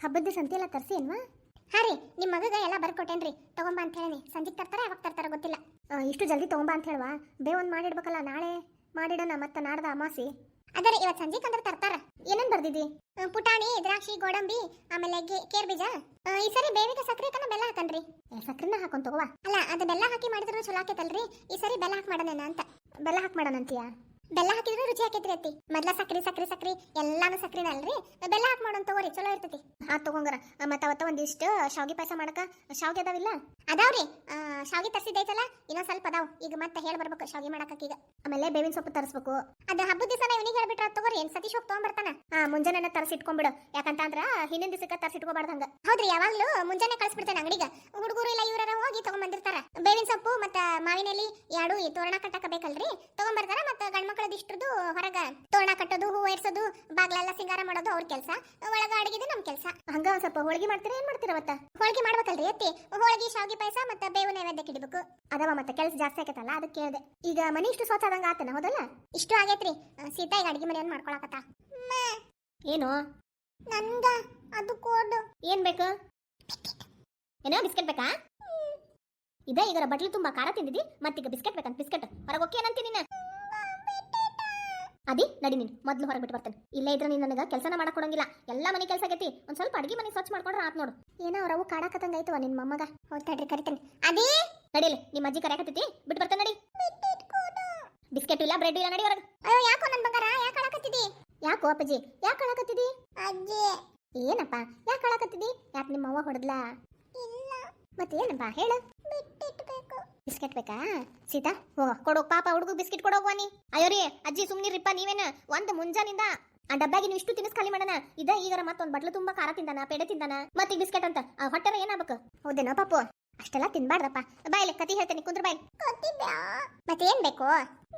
ಹಬ್ಬದ ಸಂತಿ ಎಲ್ಲ ತರಿಸಿ ಏನ್ವಾ? ಹಾ ರೀ, ನಿಮ್ಮ ಮಗಗ ಎಲ್ಲ ಬರ್ಕೊಟ್ಟೇನ್ರಿ, ತಗೊಂಬ ಅಂತ ಹೇಳಿ. ಸಂಜೆಗೆ ತರ್ತಾರ ಯಾವಾಗ ತರ್ತಾರ ಗೊತ್ತಿಲ್ಲ. ಇಷ್ಟು ಜಲ್ದಿ ತಗೊಂಬ ಅಂತ ಹೇಳುವ, ಬೇವೊಂದು ಮಾಡಿಡ್ಬೇಕಲ್ಲ, ನಾಳೆ ಮಾಡಿಡೋಣ, ಮತ್ತೆ ನಾಡ್ದ ಅಮಾಸಿ. ಅದೇ ರೀ, ಇವತ್ತು ಸಂಜೆಗೆ ಅಂದ್ರೆ ತರ್ತಾರ. ಏನೇನು ಬರ್ದಿದ್ದಿ? ಪುಟಾಣಿ, ದ್ರಾಕ್ಷಿ, ಗೋಡಂಬಿ, ಆಮೇಲೆ ಕೇರ್ ಬೀಜ. ಈ ಸರಿ ಬೇವಿಗೆ ಸಕ್ಕರೆ ಕನ ಬೆಲ್ಲ ಹಾಕನ್ರಿ. ಸಕ್ಕರೆನ ಹಾಕೊಂಡ್ ತಗೋವಾ. ಅಲ್ಲ, ಅದು ಬೆಲ್ಲ ಹಾಕಿ ಮಾಡಿದ್ರು ಚಲೋ ಆಕೈತಲ್ರಿ. ಈ ಸರಿ ಬೆಲ್ಲ ಹಾಕಿ ಮಾಡೋಣ ಅಂತ. ಬೆಲ್ಲ ಹಾಕಿ ಮಾಡೋಣ ಅಂತೀಯಾ? ಬೆಲ್ಲ ಹಾಕಿದ್ರೆ ರುಚಿ ಆಕೈತ್ರಿ ಅತ್ತಿ. ಮೊದ್ಲ ಸಕ್ರಿ ಸಕ್ರಿ ಸಕ್ರಿ ಎಲ್ಲಾನು ಸಕ್ರಿನ ಅಲ್ರಿ, ಬೆಲ್ಲ ಹಾಕಿ ಮಾಡೋಣ ತಗೋರಿ, ಚಲೋ ಇರ್ತೈತಿ. ತಗೊಂಗಾರ. ಮತ್ತೆ ಅವತ್ತ ಒಂದಿಷ್ಟು ಶಾವಿಗೆ ಪಾಯಸ ಮಾಡಕ ಶಾವಿಗೆ ಅದಾವಿಲ್ಲ? ಅದಾವ್ರಿ, ಶಾವಿಗೆ ತರಿಸಿದೈತಲ್ಲ, ಇನ್ನೊಂದ್ ಸ್ವಲ್ಪ ಅದಾವ್. ಈಗ ಮತ್ತೆ ಹೇಳಿ ಬರ್ಬೇಕು ಶಾವಿಗೆ ಮಾಡಕ ಈಗ. ಆಮೇಲೆ ಬೇವಿನ ಸೊಪ್ಪು ತರಿಸ್ಬೇಕು. ಅದ ಹಬ್ಬದ ದಿವಸ ಇವನಿಗೆ ಹೇಳ್ಬಿಟ್ರ ತಗೋರಿ, ಏನ್ ಸತೀಶ್ ಹೋಗಿ ತಗೊಂಡ್ಬರ್ತಾನ. ಮುಂಜಾನೆ ತರಿಸಿಟ್ಕೊಂಡ್ಬಿಡು, ಯಾಕಂತಂದ್ರ ಹಿಂದಿನ ದಿವಸಕ್ಕೆ ತರಿಸಿಟ್ಕೋಬಾರ್ದು ಹಂಗ. ಹೌದ್ರಿ, ಯಾವಾಗ್ಲೂ ಮುಂಜಾನೆ ಕಳ್ಸಿಬಿಡ್ತೇನೆ ಅಂಗಡಿಗ. ಹುಡುಗರು ಇಲ್ಲ ಇವರ ಹೋಗಿ ತಗೊಂಡ್ಬಂದಿರ್ತಾರ. ಬೇವಿನ ಸೊಪ್ಪು ಮತ್ತ ಮಾವಿನ ಎಲಿ ಎರಡು ಈ ತೋರಣ ಕಟ್ಟಕ ಬೇಕಲ್ರಿ, ತಗೊಂಡ್ಬರ್ತಾರ. ಮತ್ತೆ ಗಂಡ್ಮಕ್ಳದ ಇಷ್ಟರದು ಹೊರಗ ತೋರಣ ಕಟ್ಟೋದು, ಹೂ ಏರ್ಸೋದು, ಬಾಗ್ಲೆಲ್ಲ ಸಿಂಗಾರ ಮಾಡೋದು ಅವ್ರ ಕೆಲಸ. ಒಳಗ ಅಡಿಗೆದು ನಮ್ ಕೆಲಸ. ಹಂಗ ಒಂದ್ ಸ್ವಲ್ಪ ಹೋಳಿಗೆ ಮಾಡ್ತೀರಾ? ಏನ್ ಮಾಡ್ತೀರ ಅವತ್ತ? ಹೋಳಿಗೆ ಮಾಡ್ಬೇಕಲ್ರಿ ಅತ್ತಿ. ಹೋಳಿಗೆ, ಶಾವಿಗೆ ಪಾಯಸ ಮತ್ತೆ ಬೇವು ನೈವೇದ್ಯಕ್ಕೆ ಇಡಬೇಕು. ಅದವ, ಮತ್ತೆ ಕೆಲಸ ಜಾಸ್ತಿ ಆಕೈತಲ್ಲ, ಅದಕ್ಕೆ ಕೇಳಿದೆ. ಈಗ ಮನಿ ಇಷ್ಟು ಸ್ವಚ್ಛ ಆದಂಗ ಆತನ, ಹೌದಲ್ಲ? ಇಷ್ಟು ಆಗೈತ್ರಿ. ಸೀತಾ ಈಗ ಅಡಿಗೆ ಮನೆಯನ್ನು ಮಾಡ್ಕೊಳಕತ್ತ. ಏನು ನನ್ಗ ಅದು ಕೋಡ್ ಏನ್ ಬೇಕು? ಏನೋ ಬಿಸ್ಕೆಟ್ ಬೇಕಾ? ಇದೇ ಈಗ ಬಟ್ಲು ತುಂಬಾ ಖಾರ ತಿಂದಿದ್ದಿ, ಮತ್ತೀಗ ಬಿಸ್ಕೆಟ್ ಬೇಕಂತ. ಬಿಸ್ಕೆಟ್ ಹೊರಗೆ ಓಕೆ ಏನಂತೀನಿ ನೀನು? ಅದಿ ನಡಿ, ನೀನು ಮೊದ್ಲು ಹೊರಗೆ ಬಿಟ್ಟು ಬರ್ತೇನೆ. ಇಲ್ಲೇ ಇದ್ರೆ ನೀನು ನನಗೆ ಕೆಲಸನ ಮಾಡಕ್ ಕೊಡಂಗಿಲ್ಲ. ಎಲ್ಲ ಮನೆ ಕೆಲಸ ಆಗೈತಿ, ಒಂದ್ ಸ್ವಲ್ಪ ಅಡಿಗೆ ಮನೆ ಸ್ವಚ್ಛ ಮಾಡ್ಕೊಂಡ್ರೆ ಆತ್ ನೋಡು. ಏನೋ ಅವ್ರವು ಕಾಡಕತ್ತಂಗ ಆಯ್ತವ ನಿನ್ ಮೊಮ್ಮಗ. ಹೋಗ್ತಾಡ್ರಿ, ಕರಿತೇನೆ. ಅದಿ ನಡಿಲಿ, ನಿಮ್ಮ ಅಜ್ಜಿ ಕರೆಯಕತ್ತೈತಿ, ಬಿಟ್ಟು ಬರ್ತೇನೆ. ನಡಿ. ಬಿಸ್ಕೆಟ್ ಇಲ್ಲ, ಬ್ರೆಡ್ ಇಲ್ಲ, ನಡಿ ಹೊರಗೆ. ಅಯ್ಯೋ, ಯಾಕೋ ನನ್ ಬಂಗಾರ, ಯಾಕೆ ಅಳಕತ್ತಿದಿ? ಯಾಕೋ ಅಪ್ಪಾಜಿ, ಯಾಕೆ ಅಳಕತ್ತಿದಿ? ಅಜ್ಜಿ. ಏನಪ್ಪ, ಯಾಕೆ ಅಳಕತ್ತಿದಿ? ಯಾಕೆ ನಿಮ್ಮ ಅವ್ವ ಹೊಡೆದ್ಲಾ? ಇಲ್ಲ. ಮತ್ತೆ ಏನಪ್ಪ ಹೇಳು? ಬಿಸ್ಕೆಟ್ ಬೇಕಾ? ಸೀತಾ, ಹೋಗ ಕೊಡೋಗ್, ಪಾಪ ಹುಡುಗ ಬಿಸ್ಕೆಟ್ ಕೊಡೋಗ್ವಾ ನೀ. ಅಯ್ಯೋ ರೀ ಅಜ್ಜಿ, ಸುಮ್ನಿರಿಪ್ಪ ನೀವೇನ. ಒಂದು ಮುಂಜಾನಿಂದ ಆ ಡಬ್ಬಾಗಿ ನೀವು ಇಷ್ಟು ತಿನ್ನಿಸ್ ಖಾಲಿ ಮಾಡೋಣ. ಇದ ಈಗಾರ ಮತ್ತೊಂದು ಬಟ್ಲು ತುಂಬಾ ಖಾರ ತಿಂದಾನ, ಪೇಡೆ ತಿಂದಾನ, ಮತ್ತೆ ಈ ಬಿಸ್ಕೆಟ್ ಅಂತ ಆ ಹೊಟ್ಟೆನ ಏನಾಗಬೇಕು? ಹೌದೇನೋ ಪಾಪು, ಅಷ್ಟೆಲ್ಲ ತಿನ್ಬಾರ್ದಪ್ಪ. ಬಾಯ್ಲೆ ಕತಿ ಹೇಳ್ತೇನೆ, ಕುಂದ್ರ ಬಾಯ್. ಮತ್ತೆ ಏನ್ ಬೇಕು?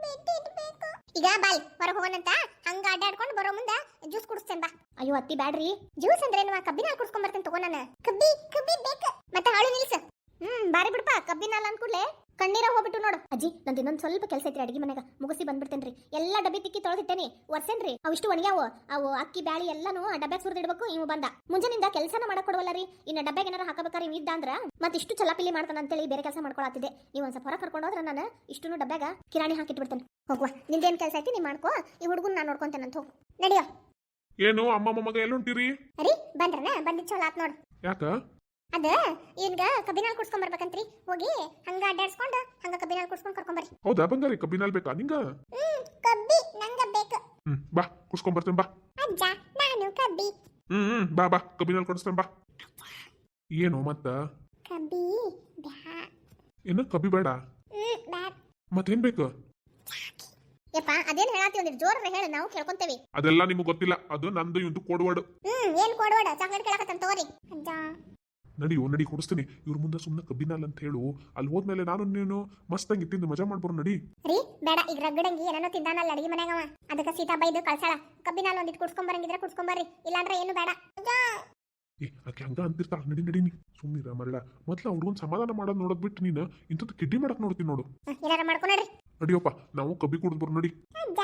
ಈಗ ಬಾಯ್, ಹೊರಗೆ ಹೋಗೋಣಂತ. ಹಂಗ ಅಡ್ಡಾಡ್ಕೊಂಡು ಬರೋ ಮುಂದೆ ಜ್ಯೂಸ್ ಕುಡಿಸ್ತೇನೆ ಬಾ. ಅಯ್ಯೋ ಅತ್ತಿ ಬ್ಯಾಡ್ರಿ. ಜ್ಯೂಸ್ ಅಂದ್ರೆ ಏನು? ಕಬ್ಬಿನ ಹಾಲು ಕುಡ್ಸ್ಕೊಂಡ್ ಬರ್ತೇನೆ ತಗೋ ನಾನು. ಕಬ್ಬಿ ಬೇಕು. ಮತ್ತೆ ಹಾಳು ನಿಲ್ಸು. ಬಾರಿ ಬಿಡಪ್ಪ, ಕಬ್ಬಿನ ಹಾಲು ಅನ್ಕೂಡ್ಲೆ ಕಣ್ಣೀರ ಹೋಗ್ಬಿಟ್ಟು ನೋಡು. ಅಜ್ಜಿ, ನಂದು ಇನ್ನೊಂದು ಸ್ವಲ್ಪ ಕೆಲಸ ಐತ್ರಿ ಅಡಿಗೆ ಮನೆಗ, ಮುಗಿಸಿ ಬಂದ್ಬಿಡ್ತೇನ್ರಿ. ಎಲ್ಲ ಡಬ್ಬಿ ತಿಕ್ಕಿ ತೊಳೆದಿಟ್ಟೇನಿ, ಒರ್ಸೇನ್ರಿ. ಅವಿಷ್ಟು ಒಣಗ್ಯಾವು. ಅವು ಅಕ್ಕಿ ಬ್ಯಾಳಿ ಎಲ್ಲಾನು ಆ ಡಬ್ಬ್ಯಾಗ ಸುರಿದಿಡ್ಬೇಕು. ಇವು ಬಂದ ಮುಂಜಾನಿಂದ ಕೆಲಸನ ಮಾಡಕ್ ಕೊಡವಲ್ಲ ರೀ. ಇನ್ನು ಡಬ್ಬ್ಯಾಗ ಏನಾರ ಹಾಕಬೇಕಾರೆ ಇವ್ ಇದ್ದ ಅಂದ್ರ ಮತ್ತಿಷ್ಟು ಚಲಾಪಿಲಿ ಮಾಡ್ತಾನ ಅಂತೇಳಿ ಬೇರೆ ಕೆಲಸ ಮಾಡ್ಕೊಳತ್ತಿದ್ದೆ. ನೀವು ಒಂದ್ ಸ್ವಲ್ಪ ಹೊರ ಕರ್ಕೊಂಡು ಹೋದ್ರೆ ನಾನು ಇಷ್ಟು ಡಬ್ಬ್ಯಾಗ ಕಿರಾಣಿ ಹಾಕಿಟ್ಬಿಡ್ತೇನೆ. ಹೋಗುವ, ನಿಂದೇನ್ ಕೆಲಸ ಐತಿ ನೀ ಮಾಡ್ಕೋ. ಈ ಹುಡುಗನ್ ನಾನು ನೋಡ್ಕೊಂತೇನೆ ಅಂತ. ಹೋಗು, ನಡಿಯೋ. ಏನು ಅಮ್ಮ ಮೊಮ್ಮಗ ಎಲ್ಲುಂಟಿರಿ? ಅರಿ ಬಂದ್ರನ? ಬಂದಿದ್ ಚಲೋ ಆತ್ ನೋಡು. ಯಾಕ? ಅದ ಈಗ ಕಬ್ಬಿನ ಹಾಲು ಕುಡ್ಸ್ಕೊಂಡ್ ಬರ್ಬೇಕಂತ್ರಿ. ಹೋಗಿ ಹಂಗ ಅಡ್ಡಾಡ್ಸ್ಕೊಂಡು ಹಂಗ ಕಬ್ಬಿನ ಹಾಲು ಕುಡ್ಸ್ಕೊಂಡ್ ಕರ್ಕೊಂಬರ್ರಿ. ಹೌದಾ ಬಂಗಾರಿ, ಕಬ್ಬಿನ ಹಾಲು ಬೇಕಾ ನಿಂಗ? ಕಬ್ಬಿ ನಂಗ ಬೇಕು. ಬಾ ಕುಡ್ಸ್ಕೊಂಡ್ ಬರ್ತೇನೆ ಬಾ. ಅಜ್ಜ, ನಾನು ಕಬ್ಬಿ. ಬಾ ಬಾ, ಕಬ್ಬಿನ ಹಾಲು ಕೊಡಿಸ್ತೇನೆ ಬಾ. ಏನು ಮತ್ತ? ಕಬ್ಬಿ ಬ್ಯಾ. ಏನು ಕಬ್ಬಿ ಬೇಡ? ಮತ್ತೇನ್ ಬೇಕು? ಯಪ್ಪ, ಅದೇನ್ ಹೇಳಾತಿ, ಒಂದಿಟ್ಟು ಜೋರ ಹೇಳ, ನಾವು ಕೇಳ್ಕೊಂತೇವಿ. ಅದೆಲ್ಲ ನಿಮ್ಗೆ ಗೊತ್ತಿಲ್ಲ, ಅದು ನಂದು ಇವಂದು ಕೋಡ್ವಾಡು. ಏನ್ ಕೊಡೋಡ? ಚಾಕ್ಲೇಟ್ ಕೇಳಕತ್ತಂತ ತಗೋರಿ. ಅಜ್ಜ ನಡಿ ಕೊಡಿಸ್ತೀನಿ. ಇವ್ರ ಮುಂದೆ ಸುಮ್ಮನೆ ಕಬ್ಬಿನ ಹಾಲು ಅಂತ ಹೇಳು. ಅಲ್ಲಿ ಹೋದ್ಮೇಲೆ ನಾನು ನೀನು ಮಸ್ತಂಗಿ ತಿಂದು ಮಜಾ ಮಾಡ್ಬಾರ. ನಡಿ. ರೀ ಬೇಡ, ಈಗ ರಗಡಂಗಿ ಏನೇನೋ ತಿಂದಾನಲ್ಲ ಅಡಿಗೆ ಮನ್ಯಾಗ, ಅದಕ್ಕೆ ಸೀತಾ ಬೈದು ಕಳ್ಸಾಳ. ಕಬ್ಬಿನ ಹಾಲು ಒಂದಿಟ್ಟು ಕುಡ್ಸ್ಕೊಂಬರಂಗಿದ್ರೆ ಕುಡ್ಸ್ಕೊಂಬರ್ರಿ, ಇಲ್ಲಾಂದ್ರೆ ಏನು ಬೇಡ. ಆಕೆ ಹಂಗ ಅಂತಿರ್ತಾಳ. ನಡಿ ನೀ ಸುಮ್ಮನಿರ ಮರಳ. ಮೊದ್ಲ ಹುಡುಗನ್ ಸಮಾಧಾನ ಮಾಡೋದ್ ನೋಡೋದ್ ಬಿಟ್ಟು ನೀನು ಇಂಥದ್ದು ಕಿಡ್ಡಿ ಮಾಡಕ್ ನೋಡ್ತೀನಿ ನೋಡು. ಏನಾರ ಮಾಡ್ಕೊಂಡ್ರಿ. ನಡಿಯಪ್ಪ, ನಾವು ಕಬ್ಬಿ ಕುಡಿದ್ ಬರ್. ನಡಿ.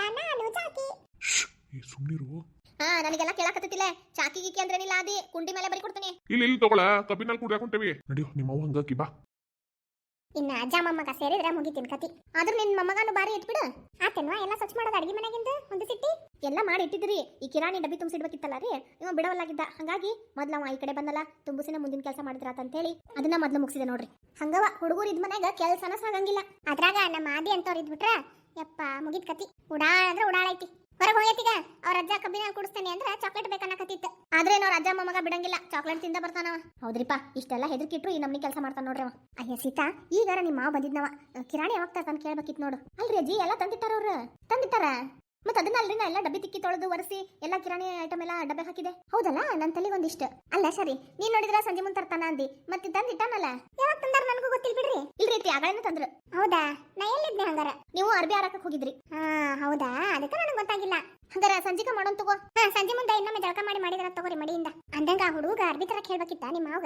ಸುಮ್ನಿರು. ನನಗೆಲ್ಲ ಕೇಳಕತ್ತಿಲ್ಲ. ಚಾಕಿ ಗೀಕಿ ಅಂದ್ರೇನಿಲ್ಲ, ಅದಿ ಕುಂಡಿ ಮೇಲೆ ಬರಿ ಕೊಡ್ತೀನಿ. ಇಲ್ಲಿ ತಗೊಳ, ಕಬ್ಬಿನ ಹಾಲು ಕುಡಿಯಾಕೊಂತೇವಿ. ನಡಿಯೋ, ನಿಮ್ಮ ಅವ್ವ ಹಂಗಾಕಿ ಬಾ. ಇನ್ನ ಅಜ್ಜ ಮೊಮ್ಮಗ ಸೇರಿದ್ರೆ ಮುಗಿತೀನಿ ಕತಿ. ಆದ್ರೂ ನಿನ್ ಮೊಮ್ಮಗನು ಬಾರಿ ಇಟ್ಬಿಡು. ಆತೇನ್ವಾ ಎಲ್ಲ ಸ್ವಚ್ಛ ಮಾಡೋದು ಅಡಿಗೆ ಮನೆಗಿಂದ ಒಂದು ಸಿಟ್ಟಿ ಎಲ್ಲ ಮಾಡಿ ಇಟ್ಟಿದ್ರಿ. ಈ ಕಿರಾಣಿ ಡಬ್ಬಿ ತುಂಬಿಸಿಡ್ಬೇಕಿತ್ತಲ್ಲ ರೀ, ಇವ ಬಿಡವಲ್ಲಾಗಿದ್ದ. ಹಂಗಾಗಿ ಮೊದ್ಲವ ಈ ಕಡೆ ಬಂದಲ್ಲ, ತುಂಬಿಸಿನ ಮುಂದಿನ ಕೆಲಸ ಮಾಡಿದ್ರಾತ ಅಂತ ಹೇಳಿ ಅದನ್ನ ಮೊದ್ಲು ಮುಗಿಸಿದೆ ನೋಡ್ರಿ. ಹಂಗವ ಹುಡುಗರು ಇದ್ ಮನ್ಯಾಗ ಕೆಲಸನ ಸಾಗಂಗಿಲ್ಲ. ಅದ್ರಾಗ ನಮ್ಮ ಆದಿ ಅಂತವ್ರು ಇದ್ಬಿಟ್ರ ಯಪ್ಪ ಮುಗಿದ್ ಕತಿ. ಉಡಾಳ ಅಂದ್ರೆ ಉಡಾಳೈತಿ. ಹೊರಗೆ ಹೋಗೈತಿಗ ಅವ್ರ ಅಜ್ಜ ಕಬ್ಬಿನ ಹಾಲು ಕುಡಿಸ್ತೇನೆ ಅಂದ್ರೆ ಚಾಕ್ಲೇಟ್ ಬೇಕನ್ನಕತ್ತಿತ್ತು. ಆದ್ರೆ ಅವ್ರ ಅಜ್ಜ ಮೊಮ್ಮಗ ಬಿಡಂಗಿಲ್ಲ, ಚಾಕ್ಲೇಟ್ ತಿಂದ ಬರ್ತಾನವ. ಹೌದ್ರಿಪ್ಪ, ಇಷ್ಟೆಲ್ಲ ಹೆದರ್ಕಿಟ್ರು ಈ ನಮ್ನಿ ಕೆಲಸ ಮಾಡ್ತಾನ ನೋಡ್ರಿ ಅವ. ಅಯ್ಯ ಸೀತಾ, ಈಗಾರ ನಿಮ್ಮ ಮಾವ ಬಂದಿದ್ನವ. ಕಿರಾಣಿ ಯಾವಾಗ ತರ್ತಾನ ಕೇಳ್ಬೇಕಿತ್ತು ನೋಡು. ಅಲ್ರಿ ಅಜ್ಜಿ, ಎಲ್ಲ ತಂದಿಟ್ಟಾರ ಅವ್ರು. ತಂದಿಟ್ಟಾರ ಮತ್ತೆ ಅದನ್ನ ಅಲ್ರಿ, ನಾ ಎಲ್ಲ ಡಬ್ಬಿ ತಿಕ್ಕಿ ತೊಳೆದು ಒರೆಸಿ ಎಲ್ಲ ಕಿರಾಣಿ ಐಟಮ್ ಎಲ್ಲ ಡಬ್ಬೆ ಹಾಕಿದೆ. ಹೌದಲ್ಲ, ನನ್ನ ತಲೆಗೆ ಒಂದಿಷ್ಟು. ಅಲ್ಲ ಸರಿ, ನೀನ್ ನೋಡಿದ್ರ ಸಂಜೆ ಮುಂದೆ ತರ್ತಾನ ಅಂದಿ, ಮತ್ತೆ ತಂದಿಟ್ಟಾನಲ್ಲ. ಯಾವಾಗ ತಂದಾರ ನನಗೂ ಗೊತ್ತಿಲ್ಲ ಬಿಡ್ರಿ. ಇಲ್ರಿ ಐತಿ, ಆಗಳನ್ನ ತಂದ್ರು. ಹೌದಾ, ನಾ ಎಲ್ಲಿದ್ದೆ ಹಂಗಾರ? ನೀವು ಅರ್ಬಿ ಹಾರಕ್ಕೆ ಹೋಗಿದ್ರಿ. ಹೌದಾ, ಅದಕ್ಕೆ ನನಗೆ ಗೊತ್ತಾಗಿಲ್ಲ. ಹಂಗಾರ ಸಂಜಿಕ ಮಾಡೋಣ ತಗೋ. ಸಂಜೆ ಮುಂದೆ ಇನ್ನೊಮ್ಮೆ ಜಳಕ ಮಾಡಿದ್ರ ತಗೋರಿ ಮಡಿಯಿಂದ. ಅಂದಂಗ ಆ ಹುಡುಗ ಅರ್ಬಿ ತರ ಹೇಳ್ಬೇಕಿತ್ತ ನಿಮ್ಮ ಮಾವಗ.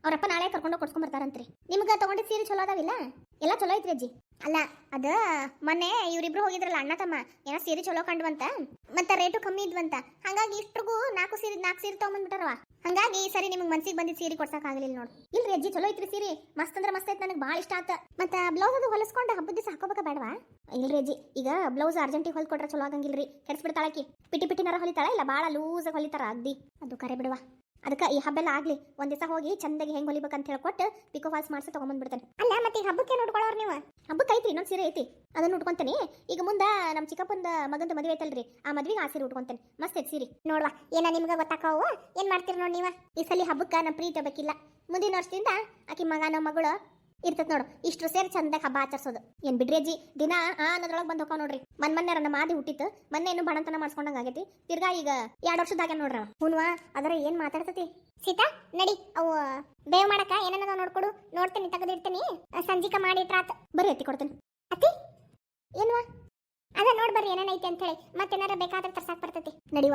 ಅವ್ರಪ್ಪ ನಾಳೆ ಕರ್ಕೊಂಡು ಕೊಡ್ಸ್ಕೊಂಡ್ ಬರ್ತಾರಂತ್ರಿ. ನಿಮ್ಗೆ ತಗೊಂಡಿದ್ ಸೀರೆ ಚಲೋ ಅದಾವಿಲ್ಲ? ಎಲ್ಲ ಚಲೋ ಐತ್ರಿ ಅಜ್ಜಿ. ಅಲ್ಲ ಅದ ಮೊನ್ನೆ ಇವ್ರಿಬ್ರು ಹೋಗಿದ್ರಲ್ಲ ಅಣ್ಣ ತಮ್ಮ, ಏನೋ ಸೀರೆ ಚಲೋ ಕಂಡ್ವಂತ, ಮತ್ತೆ ರೇಟು ಕಮ್ಮಿ ಇದ್ವಂತ. ಹಂಗಾಗಿ ಇಷ್ಟ್ರಿಗೂ ನಾಲ್ಕು ಸೀರೆ ತಗೊಂಡ್ಬಿಟ್ಟಾರವ. ಹಂಗಾಗಿ ಈ ಸರಿ ನಿಮ್ಗೆ ಮನ್ಸಿಗೆ ಬಂದಿದ್ ಸೀರೆ ಕೊಡ್ಸಕ್ ಆಗ್ಲಿಲ್ಲ ನೋಡು. ಇಲ್ರಿ ಅಜ್ಜಿ ಚಲೋ ಐತ್ರಿ ಸೀರೆ, ಮಸ್ತ್ ಅಂದ್ರೆ ಮಸ್ತ್ ಐತ್, ನನಗೆ ಭಾಳ ಇಷ್ಟ ಆತ. ಮತ್ತೆ ಬ್ಲೌಸ್ ಅದು ಹೊಲಿಸ್ಕೊಂಡು ಹಬ್ಬದ ದಿವಸ ಹಾಕೋಬೇಕ ಬೇಡವಾ? ಇಲ್ರಿ ಅಜ್ಜಿ, ಈಗ ಬ್ಲೌಸ್ ಅರ್ಜೆಂಟಿಗೆ ಹೊಲ್ಕೊಟ್ರೆ ಚಲೋ ಆಗಂಗಿಲ್ರಿ, ಕೆಡ್ಸ್ಬಿಡ್ತಾಳಕಿ. ಪಿಟಿನರ ಹೊಲಿತಾಳ, ಇಲ್ಲ ಭಾಳ ಲೂಸಾಗಿ ಹೊಲಿತಾರ ಅಗ್ದಿ, ಅದು ಕರೆ ಬಿಡುವ. ಅದಕ್ಕೆ ಈ ಹಬ್ಬೆಲ್ಲ ಆಗ್ಲಿ, ಒಂದ್ ದಿವಸ ಹೋಗಿ ಚಂದಾಗಿ ಹೆಂಗ್ ಹೊಲಿಬೇಕಂತ ಹೇಳ್ಕೊಟ್ಟು ಪಿಕೋ ಫಾಲ್ಸ್ ಮಾಡಿಸಿ ತಗೊಂಡ್ಬಂದ್ಬಿಡ್ತೇನೆ. ಅಲ್ಲ ಮತ್ತೆ ಈಗ ಹಬ್ಬಕ್ಕೆ ನೋಡ್ಕೊಳ್ಳೋರು ನೀವು? ಹಬ್ಬಕ್ಕೆ ಐತ್ರಿ ಇನ್ನೊಂದು ಸೀರೆ ಐತಿ, ಅದನ್ನ ಉಟ್ಕೊಂತೇನೆ. ಈಗ ಮುಂದೆ ನಮ್ಮ ಚಿಕ್ಕಪ್ಪಂದ ಮಗಂದ ಮದುವೆ ಐತಲ್ರಿ, ಆ ಮದ್ವೆಗೆ ಆ ಸೀರೆ ಉಟ್ಕೊಂತೇನೆ. ಮಸ್ತ್ ಐತಿ ಸೀರೆ ನೋಡ್ವಾ. ಏನ ನಿಮ್ಗೆ ಗೊತ್ತಾಕಾವು? ಏನ್ ಮಾಡ್ತೀರಿ ನೋಡಿ ನೀವ? ಈ ಸಲ ಹಬ್ಬಕ್ಕೆ ನಮ್ಮ ಪ್ರೀತಿ ಬೇಕಿಲ್ಲ, ಮುಂದಿನ ವರ್ಷದಿಂದ ಆಕಿ ಮಗ ನಮ್ಮ ಮಗಳು ಇರ್ತದ ನೋಡು. ಇಷ್ಟು ಸೇರಿ ಚಂದಾಗ ಹಬ್ಬ ಆಚರಿಸೋದು. ಏನ್ ಬಿಡ್ರಿ ಅಜ್ಜಿ, ದಿನ ಅನ್ನೋದ್ರೊಳಗೆ ಬಂದು ಹೋಗ್ತಾವ ನೋಡ್ರಿ. ಮೊನ್ನೆ ನಮ್ಮ ಮಾದಿ ಹುಟ್ಟಿತ್ತು, ಮೊನ್ನೆ ಏನು ಬಣತನ ಮಾಡ್ಸ್ಕೊಂಡಂಗ ಆಗೈತಿ. ತಿರ್ಗಾ ಈಗ 2 ವರ್ಷದಾಗ ನೋಡ್ರವ. ಹುನ್ವಾ ಅದರ ಏನ್ ಮಾತಾಡ್ತತಿ. ಸೀತಾ ನಡಿ, ಅವು ಬೇವ್ ಮಾಡಕ ಏನೇನದ ನೋಡ್ಕೊಡು. ನೋಡ್ತೇನೆ, ತೆಗೆದಿಡ್ತೇನೆ, ಸಂಜಿಕ ಮಾಡಿಟ್ರಾತ. ಬರ್ರಿ ಅತ್ತಿ ಕೊಡ್ತೇನೆ. ಅತ್ತಿ ಏನ್ವಾ ಅದ ನೋಡ್ ಬರ್ರಿ ಏನೇನೈತಿ ಅಂತ ಹೇಳಿ, ಮತ್ತೇನಾರ ಬೇಕಾದ್ರೆ ತರ್ಸಾಕ್ ಬರ್ತೈತಿ. ನಡಿವಾ.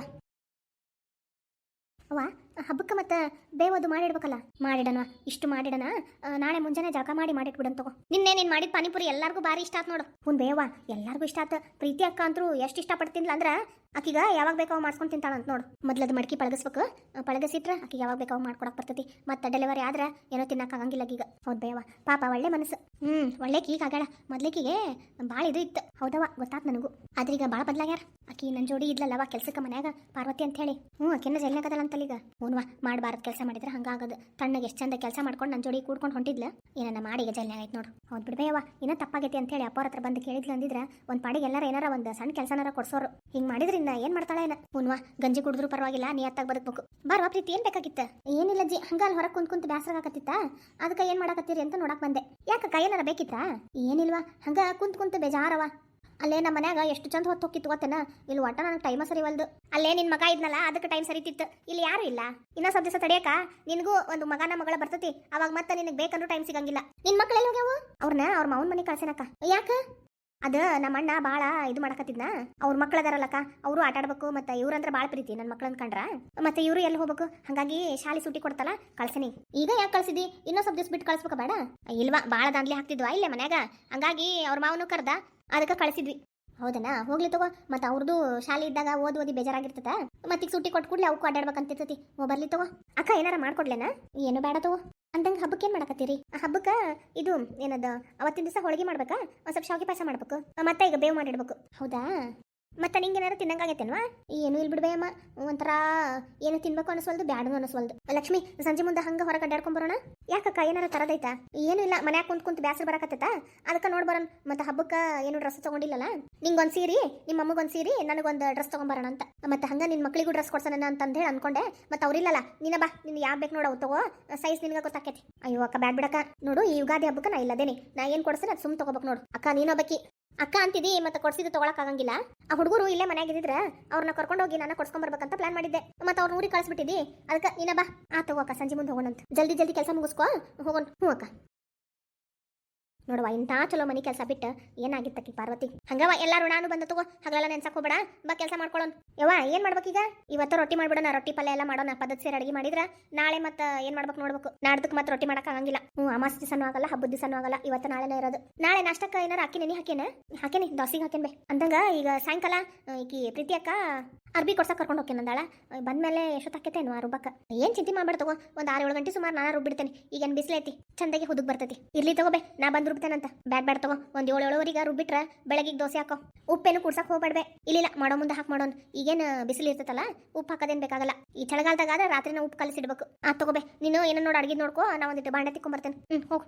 ಅವ್ವ ಹಬ್ಬಕ್ಕೆ ಮತ್ತೆ ಬೇವದು ಮಾಡಿಡ್ಬೇಕಲ್ಲ. ಮಾಡಿಡಣ, ಇಷ್ಟು ಮಾಡಿಡಣ. ನಾಳೆ ಮುಂಜಾನೆ ಜಳಕ ಮಾಡಿಟ್ಬಿಡನ್ ತಗೋ. ನಿನ್ನೆ ನೀನ್ ಮಾಡಿದ ಪಾನಿಪುರಿ ಎಲ್ಲಾರ್ಗೂ ಭಾರಿ ಇಷ್ಟ ಆತ್ ನೋಡು. ಹುನ್ ಬೇವ ಎಲ್ಲಾರ್ಗೂ ಇಷ್ಟ ಆತ. ಪ್ರೀತಿ ಅಕ್ಕ ಅಂತೂ ಎಷ್ಟು ಇಷ್ಟಪಡ್ತಿನ್ಲ ಅಂದ್ರ ಆಕಿಗ ಯಾವಾಗ ಬೇಕಾವ್ ಮಾಡ್ಸ್ಕೊಂಡು ತಿಂತಾಳಂತ ನೋಡು. ಮೊದ್ಲದ್ ಮಡ್ಕಿ ಪಳಗಿಸ್ಬೇಕು, ಪಳಗಿಸಿಟ್ರ ಆಕಿಗೆ ಯಾವಾಗ ಬೇಕಾವ್ ಮಾಡ್ಕೊಡಕ್ ಬರ್ತೈತಿ. ಮತ್ತೆ ಡೆಲಿವರಿ ಆದ್ರ ಏನೋ ತಿನ್ನಕ್ ಆಗಂಗಿಲ್ಲ ಈಗ. ಹೌದ್ ಬೇವ, ಪಾಪ ಒಳ್ಳೆ ಮನಸ್ಸು. ಒಳ್ಳೆಕಿ ಈಗ ಆಗಾಳ, ಮೊದ್ಲೇಕಿಗೆ ಭಾಳ ಇದು ಇತ್ತು. ಹೌದವ, ಗೊತ್ತಾತ್ ನನಗೂ. ಆದ್ರೆ ಈಗ ಭಾಳ ಬದ್ಲಾಗ್ಯಾರ. ಆಕಿ ನನ್ ಜೋಡಿ ಇದ್ಲಲ್ಲವ ಕೆಲ್ಸಕ್ಕೆ ಮನ್ಯಾಗ, ಪಾರ್ವತಿ ಅಂತ ಹೇಳಿ. ಆಕಿನ ಜೈಲ್ನಾಗದಲ್ಲ ಈಗ. ಹೂನ್ವಾ, ಮಾಡಬಾರದು ಕೆಲಸ ಮಾಡಿದ್ರೆ ಹಂಗಾಗದು. ತಣ್ಣಗೆ ಎಷ್ಟು ಚಂದ ಕೆಲಸ ಮಾಡ್ಕೊಂಡು ನನ್ನ ಜೋಡಿ ಕೂಡ್ಕೊಂಡು ಹೊಂಟಿದ್ಲ, ಏನನ್ನ ಮಾಡಿ ಈಗ ಜೈಲ್ನಾಗ ಆಯ್ತು ನೋಡು. ಹೌದು ಬಿಡ್ಬೇಯವ್ವ, ಇನ್ನೂ ತಪ್ಪಾಗೈತಿ ಅಂತ ಹೇಳಿ ಅಪ್ಪವ್ರ ಹತ್ರ ಬಂದು ಕೇಳಿದ್ಲು ಅಂದಿದ್ರೆ ಒಂದು ಪಾಡಿಗೆ ಎಲ್ಲಾರ ಏನಾರ ಒಂದು ಸಣ್ಣ ಕೆಲಸನಾರ ಕೊಡ್ಸೋರು. ಹಿಂಗೆ ಮಾಡಿದ್ರಿಂದ ಏನು ಮಾಡ್ತಾಳೆ ಏನ? ಹೂನ್ವಾ, ಗಂಜಿ ಕುಡಿದ್ರು ಪರವಾಗಿಲ್ಲ, ನಿಯತ್ತಾಗಿ ಬದುಕಬೇಕು. ಬಾರ್ವಾ ಪ್ರೀತಿ, ಏನು ಬೇಕಾಗಿತ್ತ? ಏನಿಲ್ಲ ಜಿ, ಹಂಗ ಅಲ್ಲಿ ಹೊರಗೆ ಕುಂತ್ ಬ್ಯಾಸರ ಆಗತ್ತಿತ್ತ, ಅದಕ್ಕೆ ಏನು ಮಾಡಕತ್ತೀರಿ ಅಂತ ನೋಡಕ್ ಬಂದೆ. ಯಾಕಕ್ಕ ಏನಾರ ಬೇಕಿತ್ತಾ? ಏನಿಲ್ವಾ, ಹಂಗ ಕುಂತ್ ಬೇಜಾರವ. ಅಲ್ಲೇ ನಮ್ಮ ಮನ್ಯಾಗ ಎಷ್ಟು ಚಂದ ಹೊತ್ತು ಹೋಗಿತ್ತು ಗೊತ್ತೇನ? ಇಲ್ಲಿ ಒಟ್ಟ ನನಗೆ ಟೈಮ ಸರಿ ವಲ್ದು. ಅಲ್ಲೇ ನಿನ್ ಮಗ ಇದ್ನಲ್ಲ, ಅದಕ್ಕೆ ಟೈಮ್ ಸರಿತಿತ್ತು. ಇಲ್ಲಿ ಯಾರು ಇಲ್ಲ. ಇನ್ನೂ ಸ್ವಲ್ಪ ದಿವಸ ತಡಿಯಕ ನಿನಗೂ ಒಂದು ಮಗನ ಮಗಳ ಬರ್ತತಿ, ಅವಾಗ ಮತ್ತೆ ನಿನಗೆ ಬೇಕಂದ್ರೂ ಟೈಮ್ ಸಿಗಂಗಿಲ್ಲ. ನಿನ್ ಮಕ್ಳು ಎಲ್ಲಿ ಹೋಗ್ಯಾವು? ಅವ್ರನ್ನ ಅವ್ರ ಮಾವನ ಮನೆ ಕಳ್ಸೇನಕ್ಕ. ಯಾಕ? ಅದು ನಮ್ಮ ಅಣ್ಣ ಭಾಳ ಇದು ಮಾಡಕತ್ತಿದ್ನ. ಅವ್ರ ಮಕ್ಳು ಅದಾರಲ್ಲಕ್ಕ, ಅವರು ಆಟ ಆಡ್ಬೇಕು. ಮತ್ತೆ ಇವ್ರಂದ್ರೆ ಭಾಳ ಪ್ರೀತಿ ನನ್ನ ಮಕ್ಳು ಅನ್ಕಂಡ್ರ. ಮತ್ತೆ ಇವರು ಎಲ್ಲಿ ಹೋಗ್ಬೇಕು, ಹಂಗಾಗಿ ಶಾಲೆ ಸೂಟಿ ಕೊಡ್ತಲ್ಲ ಕಳ್ಸನಿ. ಈಗ ಯಾಕೆ ಕಳ್ಸಿದಿ? ಇನ್ನೂ ಸ್ವಲ್ಪ ದಿವಸ ಬಿಟ್ಟು ಕಳ್ಸ್ಬೇಕ ಬೇಡ? ಇಲ್ವಾ, ಭಾಳ ದಾಂದ್ಲಿ ಹಾಕ್ತಿದ್ವಾ ಇಲ್ಲೇ ಮನ್ಯಾಗ, ಹಂಗಾಗಿ ಅವ್ರ ಮಾವನು ಕರ್ದ, ಅದಕ್ಕೆ ಕಳಿಸಿದ್ವಿ. ಹೌದನಾ, ಹೋಗ್ಲಿ ತಗೋ. ಮತ್ತೆ ಅವ್ರದ್ದು ಶಾಲೆ ಇದ್ದಾಗ ಓದಿ ಬೇಜಾರಾಗಿರ್ತದ. ಮತ್ತೆ ಈಗ ಸೂಟಿ ಕೊಟ್ಟು ಕೂಡಲೇ ಅವಕ್ಕೂ ಅಡ್ಡಾಡ್ಬೇಕಂತಿರ್ತತಿ. ಬರ್ಲಿ ತಗೋ. ಅಕ್ಕ ಏನಾರ ಮಾಡ್ಕೊಡ್ಲೇನಾ? ಏನು ಬೇಡ ತಗೋ. ಅಂದಂಗೆ ಹಬ್ಬಕ್ಕೆ ಏನು ಮಾಡಕತ್ತೀರಿ? ಹಬ್ಬಕ್ಕೆ ಇದು ಏನದ, ಅವತ್ತಿನ ದಿವಸ ಹೋಳಿಗೆ ಮಾಡ್ಬೇಕಾ, ಒಂದು ಸ್ವಲ್ಪ ಶಾವಿಗೆ ಪಾಯಸ ಮಾಡ್ಬೇಕು, ಮತ್ತೆ ಈಗ ಬೇವು ಮಾಡಿಡ್ಬೇಕು. ಹೌದಾ, ಮತ್ತೆ ನಿಂಗೆ ಏನಾರು ತಿನ್ನಂಗಾಗೈತೇನ್ವಾ? ಏನು ಇಲ್ಲಿ ಬಿಡ್ಬೇಯಮ್ಮ, ಒಂಥರ ಏನು ತಿನ್ಬೇಕು ಅನಿಸ್ವಲ್ದು, ಬ್ಯಾಡನು ಅನಿಸ್ವಲ್ದು. ಲಕ್ಷ್ಮಿ, ಸಂಜೆ ಮುಂದೆ ಹಂಗೆ ಹೊರಗೆ ಅಡ್ಡಾಡ್ಕೊಂಬರೋಣ. ಯಾಕಕ್ಕ ಏನಾರ ತರದೈತಾ? ಏನು ಇಲ್ಲ, ಮನ್ಯಾಗ ಕುಂತ್ ಬ್ಯಾಸರ ಬರಕತ್ತೈತ, ಅದಕ್ಕೆ ನೋಡ್ಬರೋಣ. ಮತ್ತೆ ಹಬ್ಬಕ್ಕೆ ಏನು ಡ್ರೆಸ್ ತೊಗೊಂಡಿಲ್ಲಲ್ಲ, ನಿಂಗೊಂದು ಸೀರೆ, ನಿಮ್ಮ ಅಮ್ಮಗೊಂದು ಸೀರೆ, ನನಗೊಂದು ಡ್ರೆಸ್ ತೊಗೊಂಬರೋಣ ಅಂತ. ಮತ್ತೆ ಹಂಗೆ ನಿನ್ನ ಮಕ್ಳಿಗೂ ಡ್ರೆಸ್ ಕೊಡ್ಸೋಣ ಅಂತ ಹೇಳಿ ಅನ್ಕೊಂಡೆ. ಮತ್ತೆ ಅವ್ರಿಲ್ಲಲ್ಲ, ನೀನ ಬಾ, ನಿನ್ ಯಾವ ಬೇಕು ನೋಡವು ತಗೋ, ಸೈಜ್ ನಿನಗೆ ಗೊತ್ತಾಕೈತಿ. ಅಯ್ಯೋ ಅಕ್ಕ ಬ್ಯಾಡ್ ಬಿಡಕ್ಕ, ನೋಡು ಈ ಯುಗಾದಿ ಹಬ್ಬಕ್ಕೆ ನಾ ಇಲ್ಲದೇನೆ, ನಾ ಏನು ಕೊಡ್ಸೇನೆ ಅದು ಸುಮ್ ತಗೋಬೇಕು ನೋಡು. ಅಕ್ಕ ನೀನೊಬ್ಬಕಿ ಅಕ್ಕ ಅಂತಿದಿ, ಮತ್ತೆ ಕೊಡ್ಸಿದ್ದು ತೊಗೊಳಕ್ ಆಗಂಗಿಲ್ಲ. ಆ ಹುಡುಗರು ಇಲ್ಲೇ ಮನ್ಯಾಗ ಇದ್ದಿದ್ರೆ ಅವ್ರನ್ನ ಕರ್ಕೊಂಡೋಗಿ ನಾನು ಕೊಡ್ಸ್ಕೊಂಬರ್ಬೇಕಂತ ಪ್ಲಾನ್ ಮಾಡಿದ್ದೆ. ಮತ್ತೆ ಅವ್ರ ಊರಿಗೆ ಕಳಿಸ್ಬಿಟ್ಟಿದ್ದಿ, ಅದಕ್ಕೆ ನೀನ ಬಾ. ತಗೋ ಅಕ್ಕ, ಸಂಜೆ ಮುಂದೆ ಹೋಗೋಣಂತ. ಜಲ್ದಿ ಕೆಲಸ ಮುಗಿಸ್ಕೊ, ಹೋಗೋಣ. ಹ್ಞೂ ಅಕ್ಕ. ನೋಡುವ, ಇಂಥ ಚಲೋ ಮನೆ ಕೆಲಸ ಬಿಟ್ಟು ಏನಾಗಿತ್ತಕ್ಕಿ ಪಾರ್ವತಿ. ಹಂಗವ ಎಲ್ಲಾರು ನಾನು ಬಂದ ತಗೋ, ಹಗಲೆಲ್ಲ ನೆನ್ಸಕ್ ಹೋಗ್ಬೇಡ, ಬಾ ಕೆಲಸ ಮಾಡ್ಕೊಳ್ಳೋಣ. ಯವ್ವ ಏನು ಮಾಡ್ಬೇಕೀಗ? ಇವತ್ತು ರೊಟ್ಟಿ ಮಾಡ್ಬಿಡೋಣ, ರೊಟ್ಟಿ ಪಲ್ಯ ಎಲ್ಲ ಮಾಡೋಣ. ಪದ್ಧತಿ ಸೇರಿ ಅಡುಗೆ ಮಾಡಿದ್ರೆ ನಾಳೆ ಮತ್ತೆ ಏನು ಮಾಡ್ಬೇಕು ನೋಡ್ಬೇಕು. ನಾಡ್ದಕ್ಕೆ ಮತ್ತೆ ರೊಟ್ಟಿ ಮಾಡಕ್ ಆಗಂಗಿಲ್ಲ. ಅಮಾವಾಸ್ಯೆ ದಿವಸನೂ ಆಗಲ್ಲ, ಹಬ್ಬದ ದಿವಸನೂ ಆಗಲ್ಲ. ಇವತ್ತು ನಾಳೆನೇ ಇರೋದು. ನಾಳೆ ನಾಷ್ಟಕ್ಕೆ ಏನಾರು ಹಾಕಿನಿ ಹಾಕೇನಿ ದೋಸೆಗೆ ಹಾಕೇನ್ಬೆ. ಅಂದಂಗ ಈಗ ಸಾಯಂಕಾಲ ಈಕಿ ಪ್ರೀತಿ ಅಕ್ಕ ಅರ್ಬಿ ಕೊಡ್ಸಕ್ಕೆ ಕರ್ಕೊಂಡು ಹೋಗ್ತೇನೆ ಅಂದಾಳ. ಬಂದ್ಮೇಲೆ ಎಷ್ಟೊತ್ತಾಕೈತೇನು ಆ ರುಬ್ಬಕ್ಕೆ? ಏನು ಚಿಂತೆ ಮಾಡ್ಬೇಡ ತಗೋ, ಒಂದು 6-7 ಗಂಟೆ ಸುಮಾರು ನಾನು ರುಬ್ಬಿಡ್ತೇನೆ. ಈಗೇನು ಬಿಸಿಲೈತಿ, ಚಂದಾಗಿ ಹುದುಗ್ ಬರ್ತೈತಿ. ಇರ್ಲಿ ತಗೋಬೇ, ನಾ ಬಂದು ರುಬ್ತೇನಂತ. ಬ್ಯಾಡ್ ತಗೋ, ಒಂದು 7-7:30 ರುಬ್ಬಿಟ್ರೆ ಬೆಳಗಿಗೆ ದೋಸೆ ಹಾಕೋ. ಉಪ್ಪೇನು ಕುಡ್ಸಕ್ಕೆ ಹೋಗ್ಬೇಡ್ಬೆ. ಇಲ್ಲ ಮಾಡೋ ಮುಂದೆ ಹಾಕಿ ಮಾಡೋಣ. ಈಗೇನು ಬಿಸಿಲು ಇರ್ತೈತಲ್ಲ, ಉಪ್ಪು ಹಾಕೋದೇನು ಬೇಕಾಗಲ್ಲ. ಈ ಚಳಿಗಾಲದಾಗ ಆದ್ರೆ ರಾತ್ರಿನ ಉಪ್ಪು ಕಲಿಸಿಡ್ಬೇಕು. ತಗೋಬೇ, ನೀನು ಏನೋ ನೋಡಿ ಅಡ್ಗೆ ನೋಡ್ಕೋ, ನಾ ಒಂದಿಟ್ಟು ಬಾಂಡೆ ತಿಕ್ಕೊಂಬರ್ತೇನೆ. ಹೋಗು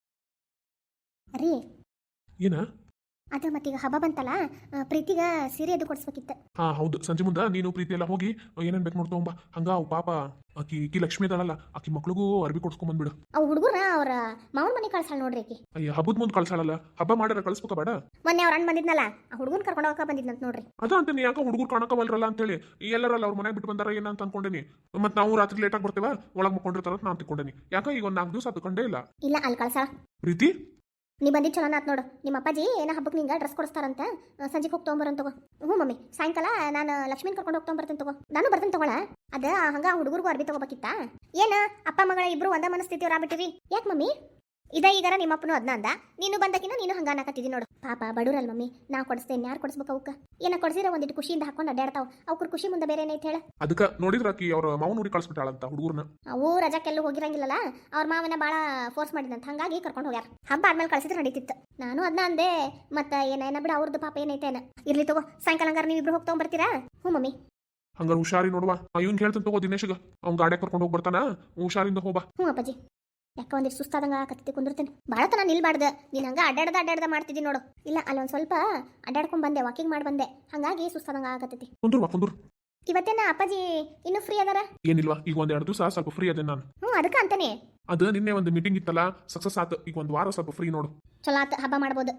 ರೀ. ಏನ ಅದು ಮತ್ತೀಗ ಹಬ್ಬ ಬಂತಲ್ಲ, ಪ್ರೀತಿಗ ಸೀರೆ ಅದು ಕೊಡಿಸ್ಬೇಕಿತ್ತು. ಹಾ ಹೌದು, ಸಂಜೆ ಮುಂದೆ ನೀನು ಪ್ರೀತಿ ಎಲ್ಲ ಹೋಗಿ ಏನೇನ್ ಬೇಕು ನೋಡ್ಕೊಂಬ. ಹಂಗ ಅವ್ ಪಾಪ ಆಕಿ ಲಕ್ಷ್ಮಿ ಅದಳಲ್ಲ, ಆಕಿ ಮಕ್ಳಿಗೂ ಅರ್ಬಿ ಕೊಡ್ಸ್ಕೊಂಬಂದ್ಬಿಡು. ಅವ್ ಹುಡುಗರ ಅವ್ರ ಮಾವನ ಮನೆ ಕಳ್ಸಾಳ ನೋಡ್ರಿ ಆಕಿ. ಅಯ್ಯ, ಹಬ್ಬದ ಮುಂದೆ ಕಳ್ಸಾಳಲ್ಲ, ಹಬ್ಬ ಮಾಡ್ಯಾರ ಕಳ್ಸ್ಬೇಕ ಬೇಡ? ಮೊನ್ನೆ ಅವ್ರ ಅಣ್ಣ ಬಂದಿದ್ನಲ್ಲ, ಆ ಹುಡುಗನ್ ಕರ್ಕೊಂಡು ಹೋಗಕ ಬಂದಿದ್ನಂತ ನೋಡ್ರಿ. ಅದ ಅಂತ ಯಾಕ ಹುಡುಗರು ಕಾಣಕವಲ್ರಲ್ಲ ಅಂತೇಳಿ ಎಲ್ಲರಲ್ಲ ಅವ್ರ ಮನೆಗೆ ಬಿಟ್ಟು ಬಂದಾರ ಏನಂತ ಅನ್ಕೊಂಡೇನಿ. ಮತ್ತೆ ನಾವು ರಾತ್ರಿ ಲೇಟಾಗಿ ಬರ್ತೇವ, ಒಳಗೆ ಮಕ್ಕೊಂಡಿರ್ತಾರ ನಾನು ತಿಳ್ಕೊಂಡೇನಿ. ಯಾಕ ಈಗ ಒಂದು 4 ದಿವಸ ಅದು ಕಂಡೇ ಇಲ್ಲ. ಇಲ್ಲ ಅಲ್ಲಿ ಕಳ್ಸಾಳ ಪ್ರೀತಿ. ನೀ ಬಂದಿದ್ದು ಚಲೋ ಆತ್ ನೋಡು. ನಿಮ್ಮ ಅಪ್ಪಾಜಿ ಏನೋ ಹಬ್ಬಕ್ಕೆ ನಿಂಗೆ ಡ್ರೆಸ್ ಕೊಡಿಸ್ತಾರಂತ, ಸಂಜೆಗೆ ಹೋಗಿ ತೊಗೊಂಬರೋನ್ ತಗೋ. ಹ್ಞೂ ಮಮ್ಮಿ, ಸಾಯಂಕಾಲ ನಾನು ಲಕ್ಷ್ಮೀನ್ ಕರ್ಕೊಂಡು ಹೋಗಿ ತೊಗೊಂಬರ್ತೀನಿ ತಗೋ. ನಾನು ಬರ್ತೀನಿ ತಗೊಳ. ಅದ ಹಂಗ ಹುಡುಗರಿಗೂ ಅರ್ಬಿ ತಗೋಬೇಕಿತ್ತ. ಏನ ಅಪ್ಪ ಮಗಳ ಇಬ್ರು ಒಂದ ಮನಸ್ಥಿತಿ ಬಿಟ್ಟಿರಿ ಯಾಕೆ ಮಮ್ಮಿ? ಈಗಾರ ನಿಮ್ಮಪ್ಪನು ಅದನ್ನ ಅಂದ, ನೀನು ಬಂದಕಿನ ನೀನು ಹಂಗ ಅನ್ನಕತ್ತಿದಿ ನೋಡು. ಪಾಪ ಬಡೂರಲ್ ಮಮ್ಮಿ, ನಾ ಕೊಡಿಸ್ತೇನೆ, ಯಾರು ಕೊಡಿಸ್ಬೇಕು ಅವಕ್ಕ? ಏನ ಕೊಡಿಸಿದ್ರೆ ಒಂದಿಟ್ಟು ಖುಷಿಯಿಂದ ಹಾಕೊಂಡು ಅಡ್ಡಾಡ್ತಾವ. ಅವ್ರ ಖುಷಿ ಮುಂದೆ ಬೇರೆ ಏನೈತೆ ಹೇಳ. ಅದಕ್ಕೆ ನೋಡಿದ್ರ ಆಕಿ ಅವ್ರ ಮಾವನ ಊರಿಗೆ ಕಳ್ಸ್ಬಿಟ್ಟಾಳಂತ ಹುಡುಗರ್ನ. ಅವು ರಜಾಕ್ಕೆಲ್ಲೂ ಹೋಗಿರಂಗಿಲ್ಲಲ್ಲ, ಅವ್ರ ಮಾವನ ಭಾಳ ಫೋರ್ಸ್ ಮಾಡಿದಂತ, ಹಂಗಾಗಿ ಕರ್ಕೊಂಡು ಹೋಗ್ಯಾರ. ಹಬ್ಬ ಆದ್ಮೇಲೆ ಕಳ್ಸಿದ್ರೆ ನಡೀತಿತ್ತು. ನಾನು ಅದನ್ನ ಅಂದೆ, ಮತ್ತೆ ಏನ ಬಿಡ ಅವ್ರದ್ದು ಪಾಪ ಏನೈತೇನ. ಇರ್ಲಿ ತಗೋ, ಸಾಯಂಕಾಲ ಹಂಗಾರ ನೀವು ಇಬ್ರು ಹೋಗಿ ತಗೊಂಡ್ಬರ್ತೀರಾ? ಹ್ಞೂ ಮಮ್ಮಿ. ಹಂಗಾರ ಹುಷಾರಿ ನೋಡುವ. ಇವ್ನ್ ಹೇಳ್ತಾನೆ ತಗೋ ದಿನೇಶ್ಗ, ಅವ್ನ ಗಾಡಿ ಕರ್ಕೊಂಡು ಹೋಗಿ ಬರ್ತಾನ, ಹುಷಾರಿಂದ ಹೋಗ್ಬಾ. ಹ್ಞೂ ಅಪ್ಪಾಜಿ. ಯಾಕ ಒಂದಿಷ್ಟು ಸುಸ್ತಾದಂಗ ಕತ್ತಿ ಕುಂದಿರ್ತೇನೆ. ಭಾಳ ತನ ನಿಲ್ಬಾರ್ದು. ನೀನು ಹಂಗ ಅಡ್ಡಾಡ್ದ ಮಾಡ್ತಿದ್ದಿ ನೋಡು. ಇಲ್ಲ ಅಲ್ಲೊಂದು ಸ್ವಲ್ಪ ಅಡ್ಡಾಡ್ಕೊಂಡ್ ಬಂದೆ, ವಾಕಿಂಗ್ ಮಾಡಿ ಬಂದೆ, ಹಂಗಾಗಿ ಸುಸ್ತಾದಂಗ ಆಗತ್ತೈತಿ. ಕುಂದ್ರು. ಇವತ್ತೇನ ಅಪ್ಪಾಜಿ ಇನ್ನೂ ಫ್ರೀ ಅದಾರ? ಏನಿಲ್ವಾ, ಈಗ ಒಂದೆರಡು ದಿವಸ ಸ್ವಲ್ಪ ಫ್ರೀ ಅದೇ ನಾನು. ಅದಕ್ಕೆ ಅಂತಾನೆ. ಅದು ನಿನ್ನೆ ಒಂದು ಮೀಟಿಂಗ್ ಇತ್ತಲ್ಲ, ಸಕ್ಸಸ್ ಆತು. ಈಗ ಒಂದು ವಾರ ಸ್ವಲ್ಪ ಫ್ರೀ ನೋಡು. ಚಲೋ ಆತ, ಹಬ್ಬ ಮಾಡ್ಬೋದು.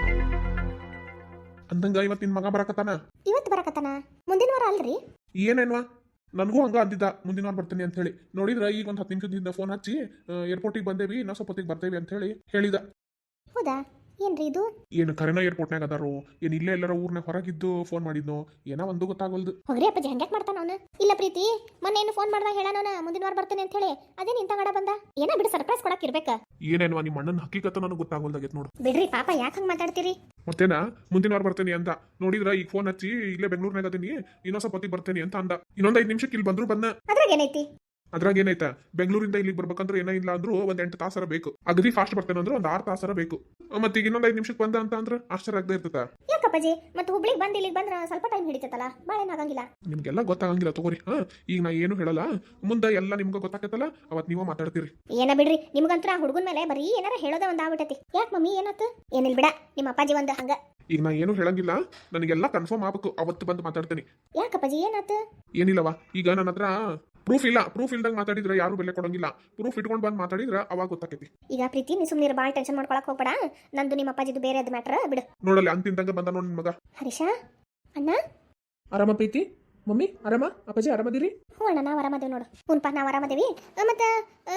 ಅಂದಂಗ ಇವತ್ತು ನಿನ್ ಮಗ ಬರಕತ್ತಾನ. ಇವತ್ತು ಬರಕತ್ತಾನ? ಮುಂದಿನ ವಾರ ಅಲ್ರಿ? ಏನೇನ್ವಾ, ನನಗೂ ಹಂಗ ಅಂದಿದ್ದ ಮುಂದಿನ ವಾರ ಬರ್ತೀನಿ ಅಂತ ಹೇಳಿ. ನೋಡಿದ್ರ ಈಗ ಒಂದು 10 ನಿಮಿಷದಿಂದ ಫೋನ್ ಹಚ್ಚಿ ಏರ್ಪೋರ್ಟಿಗೆ ಬಂದೇವಿ, ಇನ್ನೂ ಸ್ವಲ್ಪ ಹೊತ್ತಿಗೆ ಬರ್ತೇವಿ ಅಂತ ಹೇಳಿ ಹೇಳಿದ. ಹೌದಾ? ಏನ್ರಿ ಇದು? ಏನು ಕರೆನ ಏರ್ಪೋರ್ಟ್ನಾಗ ಅದಾರೋ ಏನು ಇಲ್ಲೇ ಎಲ್ಲರ ಊರ್ನಾಗ ಹೊರಗಿದ್ದು ಫೋನ್ ಮಾಡಿದ್ನೋ ಏನೋ ಒಂದು ಗೊತ್ತಾಗಲ್ದು. ಹೋಗ್ರಿ ಅಪ್ಪಾಜಿ, ಹಂಗ್ಯಾಕ್ ಮಾಡ್ತಾನ ಅವನು? ಇಲ್ಲ ಪ್ರೀತಿ, ಮೊನ್ನೆ ಏನು ಫೋನ್ ಮಾಡಿದಾಗ ಹೇಳೋಣ ಮುಂದಿನ ವಾರ ಬರ್ತೇನೆ ಅಂತ ಹೇಳಿ. ಅದೇ ನಿಂತ ಗಡ ಬಂದ. ಏನ ಬಿಡು, ಸರ್ಪ್ರೈಸ್ ಕೊಡಕ್ ಇರ್ಬೇಕ. ಏನೇನ್ವಾ, ನಿಮ್ಮ ಅಣ್ಣನ ಹಕ್ಕಿಕತ್ತ ನನಗೆ ಗೊತ್ತಾಗಲ್ದಾಗೈತೆ ನೋಡು. ಬಿಡ್ರಿ ಪಾಪ, ಯಾಕೆ ಹಂಗೆ ಮಾತಾಡ್ತೀರಿ? ಮತ್ತೇನಾ ಮುಂದಿನ ವಾರ ಬರ್ತೇನೆ ಅಂತ ನೋಡಿದ್ರ ಈಗ ಫೋನ್ ಹಚ್ಚಿ ಇಲ್ಲೇ ಬೆಂಗಳೂರಿನಾಗ ಅದೀನಿ, ಇನ್ನೊಂದ್ ಸ್ವಲ್ಪ ಹೊತ್ತಿಗೆ ಬರ್ತೇನೆ ಅಂತ ಅಂದ. ಇನ್ನೊಂದ್ 5 ನಿಮಿಷಕ್ಕೆ ಇಲ್ಲಿ ಬಂದ್ರು ಬಂದ. ಅದ್ರಾಗ ಏನೈತಿ? ಅದ್ರಾಗ ಏನೈತಾ, ಬೆಂಗಳೂರಿಂದ ಇಲ್ಲಿಗೆ ಬರ್ಬೇಕಂದ್ರೆ ಏನೋ ಇಲ್ಲ ಅಂದ್ರು ಒಂದ್ 8 ತಾಸರ ಬೇಕು. ಅಗದಿ ಫಾಸ್ಟ್ ಬರ್ತೇನೆ ಅಂದ್ರೆ ಒಂದು 6 ತಾಸರ ಬೇಕು. ಮತ್ತೆ ಈಗ ಇನ್ನೊಂದ್ 5 ನಿಮಿಷಕ್ಕೆ ಬಂದ ಅಂತ ಅಂದ್ರೆ ಆಶ್ಚರ್ಯ ಆಗದೆ ಇರ್ತದ. ಯಾಕಪ್ಪಾಜಿ, ಮತ್ತೆ ಹುಬ್ಳಿಗೆ ಬಂದು ಇಲ್ಲಿಗೆ ಬಂದ್ರೆ ಸ್ವಲ್ಪ ಟೈಮ್ ಹಿಡಿತೈತಲ್ಲ, ಭಾಳ ಏನಾಗಂಗಿಲ್ಲ. ನಿಮ್ಗೆಲ್ಲ ಗೊತ್ತಾಗಂಗಿಲ್ಲ ತಗೋರಿ. ಈಗ ನಾ ಏನು ಹೇಳಲ್ಲ, ಮುಂದೆ ಎಲ್ಲ ನಿಮ್ಗೆ ಗೊತ್ತಾಕತ್ತಲ್ಲ, ಅವತ್ ನೀವ ಮಾತಾಡ್ತೀರಿ. ಏನ ಬಿಡ್ರಿ, ನಿಮ್ಗಂತ್ರ ಹುಡುಗನ ಮೇಲೆ ಬರೀ ಏನಾರ ಹೇಳೋದ ಒಂದ್ ಆಗ್ಬಿಟ್ಟೈತಿ. ಯಾಕೆ ಮಮ್ಮಿ, ಏನಾತು? ಏನಿಲ್ಲ ಬಿಡ, ನಿಮ್ಮ ಅಪ್ಪಾಜಿ ಒಂದು ಹಂಗ. ಈಗ ನಾ ಏನು ಹೇಳಂಗಿಲ್ಲ, ನನಗೆಲ್ಲ ಕನ್ಫರ್ಮ್ ಆಗ್ಬೇಕು, ಅವತ್ತು ಬಂದು ಮಾತಾಡ್ತೀನಿ. ಯಾಕಪ್ಪಾಜಿ, ಏನಾತು? ಏನಿಲ್ಲವಾ, ಈಗ ನನ್ನ ಹತ್ರ ಪ್ರೂಫ್ ಇಲ್ದಂಗ ಮಾತಾಡಿದ್ರೆ ಯಾರು ಬೆಲೆ ಕೊಡಂಗಿಲ್ಲ. ಪ್ರೂಫ್ ಇಟ್ಕೊಂಡು ಬಂದು ಮಾತಾಡಿದ್ರೆ ಅವಾಗ ಗೊತ್ತಾಕೈತಿ. ಈಗ ಪ್ರೀತಿ, ನೀ ಸುಮ್ಮನೆ ಭಾಳ ಟೆನ್ಷನ್ ಮಾಡ್ಕೊಳಕ್ ಹೋಗ್ಬೇಡ. ನಂದು ನಿಮ್ಮ ಅಪ್ಪಾಜಿದು ಬೇರೆ ಅದು ಮ್ಯಾಟ್ರ್ ಬಿಡು. ನೋಡಲ್ಲ ಅಂತಿಂದಂಗ ಬಂದ ನೋಡಿ ನಿನ್ ಮಗ. ಹರೀಶ ಅಣ್ಣ, ಆರಾಮ ಪ್ರೀತಿ? ಮಮ್ಮಿ ಆರಾಮ? ಅಪ್ಪಾಜಿ ಆರಾಮದಿರಿ? ಹ್ಞೂ ಅಣ್ಣ, ನಾವು ಆರಾಮದೇವಿ ನೋಡು. ಹ್ಞೂನ್ಪ, ನಾವು ಆರಾಮದೇವಿ. ಮತ್ತೆ